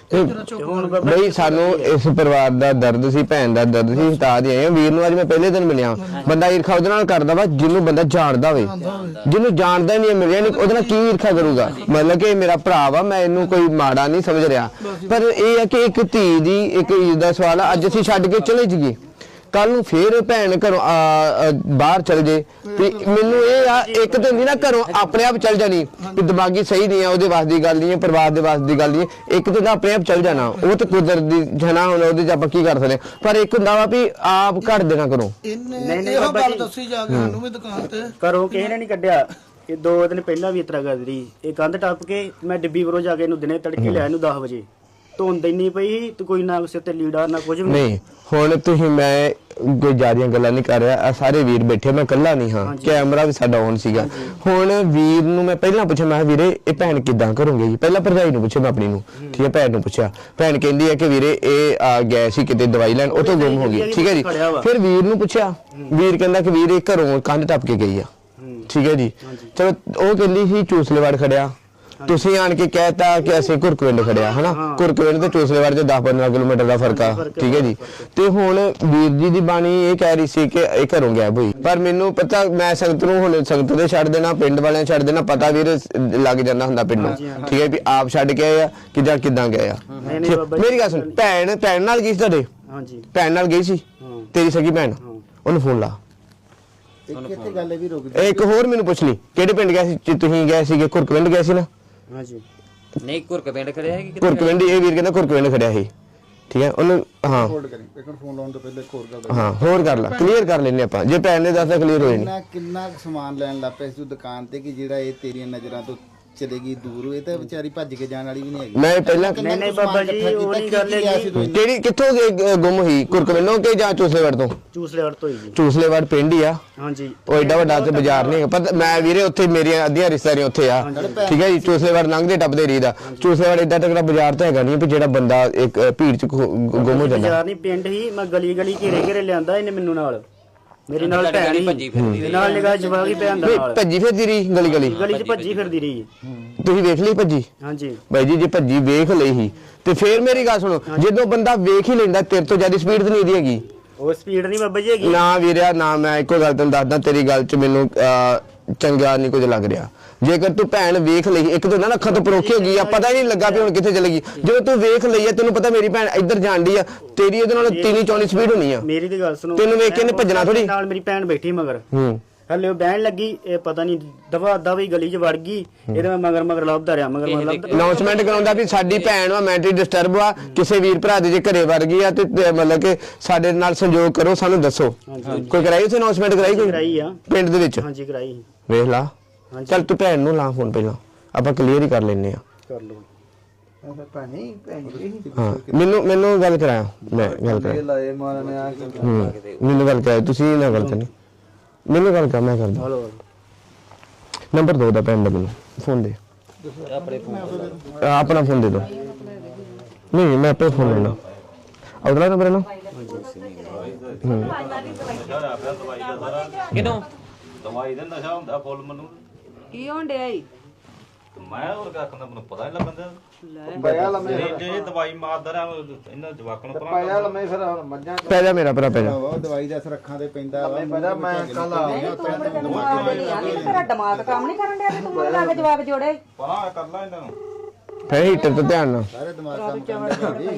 ਬਈ ਸਾਨੂੰ ਇਸ ਪਰਿਵਾਰ ਦਾ ਦਰਦ ਸੀ, ਭੈਣ ਦਾ ਦਰਦ ਸੀ, ਹਟਾ ਦੇ ਆਏ ਵੀਰ ਨੂੰ। ਅੱਜ ਮੈਂ ਪਹਿਲੇ ਦਿਨ ਮਿਲਿਆ। ਬੰਦਾ ਈਰਖਾ ਉਹਦੇ ਨਾਲ ਕਰਦਾ ਵਾ ਜਿਹਨੂੰ ਬੰਦਾ ਜਾਣਦਾ ਹੋਵੇ, ਜਿਹਨੂੰ ਜਾਣਦਾ ਹੀ ਨਹੀਂ ਮਿਲਿਆ ਨਹੀਂ ਉਹਦੇ ਨਾਲ ਕੀ ਈਰਖਾ ਕਰੂਗਾ। ਮਤਲਬ ਕਿ ਮੇਰਾ ਭਰਾ ਵਾ, ਮੈਂ ਇਹਨੂੰ ਕੋਈ ਮਾੜਾ ਨਹੀਂ ਸਮਝ ਰਿਹਾ, ਪਰ ਇਹ ਹੈ ਕਿ ਇੱਕ ਧੀ ਦੀ ਇੱਕ ਇੱਜ਼ਤ ਦਾ ਸਵਾਲ ਆ। ਅੱਜ ਅਸੀਂ ਛੱਡ ਕੇ ਚਲੇ ਜਾਈਏ, ਕੱਲ ਨੂੰ ਫੇਰ ਭੈਣ ਘਰੋਂ ਬਾਹਰ ਚਲ ਜੇ, ਤੇ ਮੈਨੂੰ ਇਹ ਆ ਇੱਕ ਤਾਂ ਨਹੀਂ ਨਾ ਘਰੋਂ ਆਪਣੇ ਆਪ ਚਲ ਜਾਣੀ ਵੀ ਦਿਮਾਗੀ ਸਹੀ ਨਹੀਂ ਆ, ਉਹਦੇ ਵਾਸ ਦੀ ਗੱਲ ਨਹੀਂ ਹੈ, ਪਰਿਵਾਰ ਦੇ ਵਾਸ ਦੀ ਗੱਲ ਨਹੀਂ ਹੈ। ਇੱਕ ਤਾਂ ਆਪਣੇ ਆਪ ਚਲ ਜਾਣਾ, ਉਹ ਤਾਂ ਕੁਦਰਤ ਦੀ ਜਨਾ, ਹੁਣ ਉਹਦੇ 'ਚ ਆਪਾਂ ਕੀ ਕਰ ਸਕਦੇ। ਪਰ ਇੱਕ ਹੁੰਦਾ ਵਾ ਵੀ ਆਪ ਘੱਟ ਦੇਣਾ ਕਰੋ। ਇਹਨੇ ਇਹੋ ਗੱਲ ਦੱਸੀ ਜਾ ਕੇ ਸਾਨੂੰ ਵੀ ਦੁਕਾਨ ਤੇ ਘਰੋਂ ਕਿਸੇ ਨੇ ਨਹੀਂ ਕੱਢਿਆ। ਇਹ 2 ਦਿਨ ਪਹਿਲਾਂ ਵੀ ਇਤਰਾ ਕਰਦੀ ਰਹੀ। ਇਹ ਕੰਧ ਟੱਪ ਕੇ ਮੈਂ ਡਿੱਬੀ ਬਰੋ ਜਾ ਕੇ ਇਹਨੂੰ ਦਿਨੇ ਤੜਕੇ ਲਿਆ ਇਹਨੂੰ 10 ਵਜੇ। ਧੁੰਦ ਇੰਨੀ ਪਈ ਤੇ ਕੋਈ ਨਾ ਸਿਰ ਤੇ ਲੀੜਾ ਨਾ ਕੁਝ ਵੀ ਨਹੀਂ। ਹੁਣ ਤੁਸੀਂ, ਮੈਂ ਕੋਈ ਜ਼ਿਆਦੀਆਂ ਗੱਲਾਂ ਨਹੀਂ ਕਰ ਰਿਹਾ, ਸਾਰੇ ਵੀਰ ਬੈਠੇ, ਮੈਂ ਇਕੱਲਾ ਨਹੀਂ ਹਾਂ, ਕੈਮਰਾ ਵੀ ਸਾਡਾ ਔਨ ਸੀਗਾ। ਹੁਣ ਵੀਰ ਨੂੰ ਮੈਂ ਪਹਿਲਾਂ ਪੁੱਛਿਆ, ਮੈਂ ਵੀਰੇ ਇਹ ਭੈਣ ਕਿੱਦਾਂ ਕਰੋਗੇ ਜੀ? ਪਹਿਲਾਂ ਭਰਜਾਈ ਨੂੰ ਪੁੱਛਿਆ ਮੈਂ ਆਪਣੀ ਨੂੰ, ਠੀਕ ਹੈ। ਭੈਣ ਨੂੰ ਪੁੱਛਿਆ, ਭੈਣ ਕਹਿੰਦੀ ਹੈ ਕਿ ਵੀਰੇ ਇਹ ਆ ਗਏ ਸੀ ਕਿਤੇ ਦਵਾਈ ਲੈਣ, ਉਹ ਤੋਂ ਗੁੰਮ ਹੋ ਗਈ, ਠੀਕ ਹੈ ਜੀ। ਫਿਰ ਵੀਰ ਨੂੰ ਪੁੱਛਿਆ, ਵੀਰ ਕਹਿੰਦਾ ਕਿ ਵੀਰ ਇਹ ਘਰੋਂ ਕੰਧ ਟੱਪ ਕੇ ਗਈ ਆ, ਠੀਕ ਹੈ ਜੀ। ਚਲੋ ਉਹ ਕਹਿੰਦੀ ਸੀ ਚੂਸਲੇਵਾੜ ਖੜਿਆ, ਤੁਸੀਂ ਆਣ ਕੇ ਕਹਿਤਾ ਕਿ ਅਸੀਂ ਘੁਰਕਵਿੰਡ ਖੜਿਆ, ਹਨਾ। ਘੁਰਕਵਿੰਡ ਤੇ ਚੂਸਲੇਵਾੜ ਚ 10-15 ਕਿਲੋਮੀਟਰ ਦਾ ਫਰਕ ਆ, ਠੀਕ ਹੈ ਜੀ। ਤੇ ਹੁਣ ਵੀਰ ਜੀ ਦੀ ਬਾਣੀ ਇਹ ਕਹਿ ਰਹੀ ਸੀ ਕਿ ਇਹ ਘਰੋਂ ਗਾਇਬ ਹੋਈ, ਪਰ ਮੈਨੂੰ ਪਤਾ, ਮੈਂ ਸੰਗਤ ਨੂੰ ਹੁਣ ਸੰਗਤ ਦੇ ਛੱਡ ਦੇਣਾ, ਪਿੰਡ ਵਾਲਿਆਂ ਛੱਡ ਦੇਣਾ, ਪਤਾ ਵੀਰ ਲੱਗ ਜਾਂਦਾ ਹੁੰਦਾ ਪਿੰਡੋਂ, ਠੀਕ ਹੈ ਵੀ ਆਪ ਛੱਡ ਕੇ ਆਏ ਆ ਕਿ ਜਾਂ ਕਿੱਦਾਂ ਗਏ ਆ। ਮੇਰੀ ਗੱਲ ਸੁਣ, ਭੈਣ ਨਾਲ ਗਈ ਸੀ ਤੁਹਾਡੇ? ਹਾਂਜੀ, ਭੈਣ ਨਾਲ ਗਈ ਸੀ ਤੇਰੀ ਸਗੀ ਭੈਣ? ਉਹਨੂੰ ਫੋਨ ਲਾ। ਇੱਥੇ ਗੱਲ ਵੀ ਰੁਕ ਇੱਕ ਹੋਰ ਮੈਨੂੰ ਪੁੱਛ ਲਈ, ਕਿਹੜੇ ਪਿੰਡ ਗਏ ਸੀ ਤੁਸੀਂ? ਗਏ ਸੀਗੇ ਘੁਰਕਵਿੰਡ ਗਏ ਸੀ ਨਾ? ਹਾਂਜੀ। ਨਹੀਂ ਘੁਰਕਵਿੰਡ ਖੜਿਆ ਹੈ ਕਿ ਘੁਰਕਵਿੰਡ, ਇਹ ਵੀਰ ਕਹਿੰਦਾ ਘੁਰਕਵਿੰਡ ਖੜਿਆ ਸੀ, ਠੀਕ ਹੈ। ਉਹਨੂੰ ਹਾਂ ਹੋਲਡ ਕਰੀ, ਇੱਕ ਮਿੰਟ ਫੋਨ ਲਾਉਣ ਤੋਂ ਪਹਿਲੇ ਇੱਕ ਹੋਰ ਗੱਲ ਹਾਂ ਹੋਰ ਕਰ ਲਾ, ਕਲੀਅਰ ਕਰ ਲੈਨੇ ਆਪਾਂ। ਜੇ ਭੈਣ ਨੇ ਦੱਸਦਾ ਕਲੀਅਰ ਹੋਏ ਨਹੀਂ। ਕਿੰਨਾ ਸਮਾਨ ਲੈਣ ਲੱਗ ਪਿਆ ਸੀ ਤੂੰ ਦੁਕਾਨ ਤੇ ਕਿ ਜਿਹੜਾ ਇਹ ਤੇਰੀਆਂ ਨਜ਼ਰਾਂ ਤੋਂ ਚਲੇਗੀ ਦੂਰ? ਇਹ ਤਾਂ ਵਿਚਾਰੀ ਭੱਜ ਕੇ ਜਾਣ ਵਾਲੀ ਵੀ ਨਹੀਂ ਹੈਗੀ। ਮੈਂ ਪਹਿਲਾਂ ਨਹੀਂ ਬਾਬਾ ਜੀ, ਉਹ ਨਹੀਂ ਗੱਲ ਹੈਗੀ। ਕਿਹੜੀ ਕਿੱਥੋਂ ਗੁੰਮ ਹੋਈ? ਘੁਰਕਵਿੰਡੋਂ ਕਿ ਜਾਂ ਚੂਸਲੇਵਾੜ ਤੋਂ? ਚੂਸਲੇਵਾੜ ਤੋਂ ਹੀ ਜੀ। ਚੂਸਲੇਵਾੜ ਪਿੰਡ ਹੀ ਆ। ਹਾਂਜੀ। ਉਹ ਐਡਾ ਵੱਡਾ ਤੇ ਬਾਜ਼ਾਰ ਨਹੀਂ ਹੈਗਾ, ਪਰ ਮੈਂ ਵੀਰੇ ਉੱਥੇ ਮੇਰੀਆਂ ਅੱਧੀਆਂ ਰਿਸ਼ਤੇਦਾਰੀਆਂ ਉੱਥੇ ਆ, ਠੀਕ ਹੈ ਜੀ। ਚੂਸਲੇਵਾੜ ਲੰਘਦੇ ਟੱਪਦੇ ਰਹੀਦਾ। ਚੂਸਲੇਵਾੜ ਐਡਾ ਤਕੜਾ ਬਾਜ਼ਾਰ ਤਾਂ ਹੈਗਾ ਨਹੀਂ ਵੀ ਜਿਹੜਾ ਬੰਦਾ ਇੱਕ ਭੀੜ ਚ ਗੁੰਮ ਹੋ ਜਾਂਦਾ। ਬਾਜ਼ਾਰ ਨਹੀਂ, ਪਿੰਡ ਹੀ। ਮੈਂ ਗਲੀ ਗਲੀ ਘੇਰੇ ਲਿਆਂਦਾ ਇਹਨੇ ਮੈਨੂੰ ਨਾਲ, ਮੇਰੇ ਨਾਲ ਭੈਣ ਹੀ ਨਾਲ ਨਿਗਾਹ ਜਵਾਗੀ ਭੈਣ ਦਾ ਨਾਲ ਭੱਜੀ ਫਿਰਦੀ ਰਹੀ ਗਲੀ ਗਲੀ ਚ ਭੱਜੀ ਫਿਰਦੀ ਰਹੀ। ਤੁਸੀਂ ਵੇਖ ਲਈ ਭੱਜੀ? ਹਾਂਜੀ ਬਾਈ ਜੀ, ਜੇ ਭੱਜੀ ਵੇਖ ਲਈ ਸੀ ਤੇ ਫੇਰ ਮੇਰੀ ਗੱਲ ਸੁਣੋ, ਜਦੋਂ ਬੰਦਾ ਵੇਖ ਹੀ ਲੈਂਦਾ, ਤੇਰੇ ਤੋਂ ਜ਼ਿਆਦਾ ਸਪੀਡ ਤਾਂ ਨਹੀਂ ਇਹਦੀ ਹੈਗੀ। ਉਹ ਸਪੀਡ ਨਹੀਂ ਬਾਬਾ ਜੀ ਹੈਗੀ। ਨਾ ਵੀਰਿਆ ਨਾ, ਮੈਂ ਇੱਕੋ ਗੱਲ ਤੈਨੂੰ ਦੱਸਦਾ, ਤੇਰੀ ਗੱਲ 'ਚ ਮੈਨੂੰ ਚੰਗਾ ਨਹੀਂ ਕੁਝ ਲੱਗ ਰਿਹਾ। ਜੇਕਰ ਤੂੰ ਭੈਣ ਵੇਖ ਲਈ, ਇੱਕ ਤਾਂ ਨਾ ਅੱਖਾਂ ਤੋਂ ਪਰੋਖੀ ਹੋ ਗਈ ਆ, ਪਤਾ ਹੀ ਨਹੀਂ ਲੱਗਾ ਵੀ ਹੁਣ ਕਿੱਥੇ ਚਲੇਗੀ। ਜਦੋਂ ਤੂੰ ਵੇਖ ਲਈ ਆ, ਤੈਨੂੰ ਪਤਾ ਮੇਰੀ ਭੈਣ ਇੱਧਰ ਜਾਣਦੀ ਆ, ਤੇਰੀ ਇਹਦੇ ਨਾਲ 3-4 ਸਪੀਡ ਹੋਣੀ ਆ। ਮੇਰੀ ਦੀ ਗੱਲ ਸੁਣੋ, ਤੈਨੂੰ ਵੇਖ ਕੇ ਇਹਨੇ ਭੱਜਣਾ ਥੋੜੀ। ਨਾਲ ਮੇਰੀ ਭੈਣ ਬੈਠੀ ਮਗਰ, ਹਲੇ ਉਹ ਬਹਿਣ ਲੱਗੀ, ਇਹ ਪਤਾ ਨਹੀਂ ਦਵਾ ਵੀ ਗਲੀ 'ਚ ਵੜ ਗਈ। ਇਹਦੇ ਮੈਂ ਮਗਰ ਲੱਭਦਾ ਰਿਹਾ, ਮਗਰ ਲੱਭਦਾ। ਅਨਾਉਂਸਮੈਂਟ ਕਰਾਉਂਦਾ ਵੀ ਸਾਡੀ ਭੈਣ ਵਾ, ਮੈਂਟਲੀ ਡਿਸਟਰਬ ਆ, ਕਿਸੇ ਵੀਰ ਭਰਾ ਦੇ ਜੇ ਘਰੇ ਵੜ ਗਈ ਆ ਤੇ ਮਤਲਬ ਕਿ ਸਾਡੇ ਨਾਲ ਸੰਯੋਗ ਕਰੋ, ਸਾਨੂੰ ਦੱਸੋ। ਕੋਈ ਕਰਾਈ ਉੱਥੇ ਅਨਾਉਂਸਮੈਂਟ ਕਰਾਈ? ਕੋਈ ਕਰਾਈ ਆ ਪਿੰਡ ਦੇ ਵਿੱਚ? ਹਾਂਜੀ ਕਰਾਈ। ਵੇਖ ਲਾ, ਚੱਲ ਤੂੰ ਭੈਣ ਨੂੰ ਲਾ ਫੋਨ, ਪਹਿਲਾਂ ਆਪਾਂ ਕਲੀਅਰ ਹੀ ਕਰ ਲੈਨੇ ਆ। ਕਰ ਲਓ। ਹਾਂ, ਮੈਨੂੰ ਗੱਲ ਕਰਾਇਆ, ਮੈਂ ਗੱਲ ਕਰਾਇਆ, ਮੈਨੂੰ ਗੱਲ ਕਰਾਇਆ, ਤੁਸੀਂ ਨਾ ਗੱਲ ਕਰਨੀ, ਮੈਨੂੰ ਗੱਲ ਕਰ, ਮੈਂ ਕਰਦਾ। ਨੰਬਰ ਦੋ ਦਾ ਭੈਣ ਦਾ, ਮੈਨੂੰ ਫੋਨ ਦੇ, ਆਪਣਾ ਫੋਨ ਦੇ ਦੋ। ਨਹੀਂ, ਮੈਂ ਆਪੇ ਫੋਨ ਲੈਣਾ, ਅਗਲਾ ਨੰਬਰ ਹੈ ਨਾ। ਕਿਦੋਂ ਦਵਾਈ ਦਾ ਨਸ਼ਾ ਹੁੰਦਾ ਫੁੱਲ ਮੈਨੂੰ। ਕੀ ਹੋਣ ਡਿਆ ਈ? ਮੈਂ ਹੋਰ ਕੱਖ ਦਾ ਮੈਨੂੰ ਪਤਾ ਨਹੀਂ ਲੱਗਦਾ। ਪਿਆ ਲੰਮੇ ਜੇ ਦਵਾਈ ਮਾਰਦਾ ਰਹਾ ਇਹਨਾਂ ਜਵਾਕਾਂ ਨੂੰ ਪਾਇਆ ਲੰਮੇ ਫਿਰ ਮੱਝਾਂ ਪੈ ਜਾ ਮੇਰਾ ਭਰਾ, ਪੈ ਜਾ। ਦਵਾਈ ਦਾ ਅਸਰ ਅੱਖਾਂ ਤੇ ਪੈਂਦਾ ਵਾ। ਮੈਂ ਕੱਲ ਆ ਤੇਰਾ ਦਿਮਾਗ ਕੰਮ ਨਹੀਂ ਕਰਨ ਡਿਆ ਤੇ ਤੂੰ ਮੈਨੂੰ ਲੱਗ ਜਵਾਬ ਜੋੜੇ। ਪਰਾਂ ਕਰ ਲਾ ਇਹਨਾਂ ਨੂੰ। ਫੇ ਹੀਟਰ ਤੇ ਧਿਆਨ ਨਾਲ। ਸਾਰੇ ਦਿਮਾਗ ਕੰਮ ਕਰਦੇ।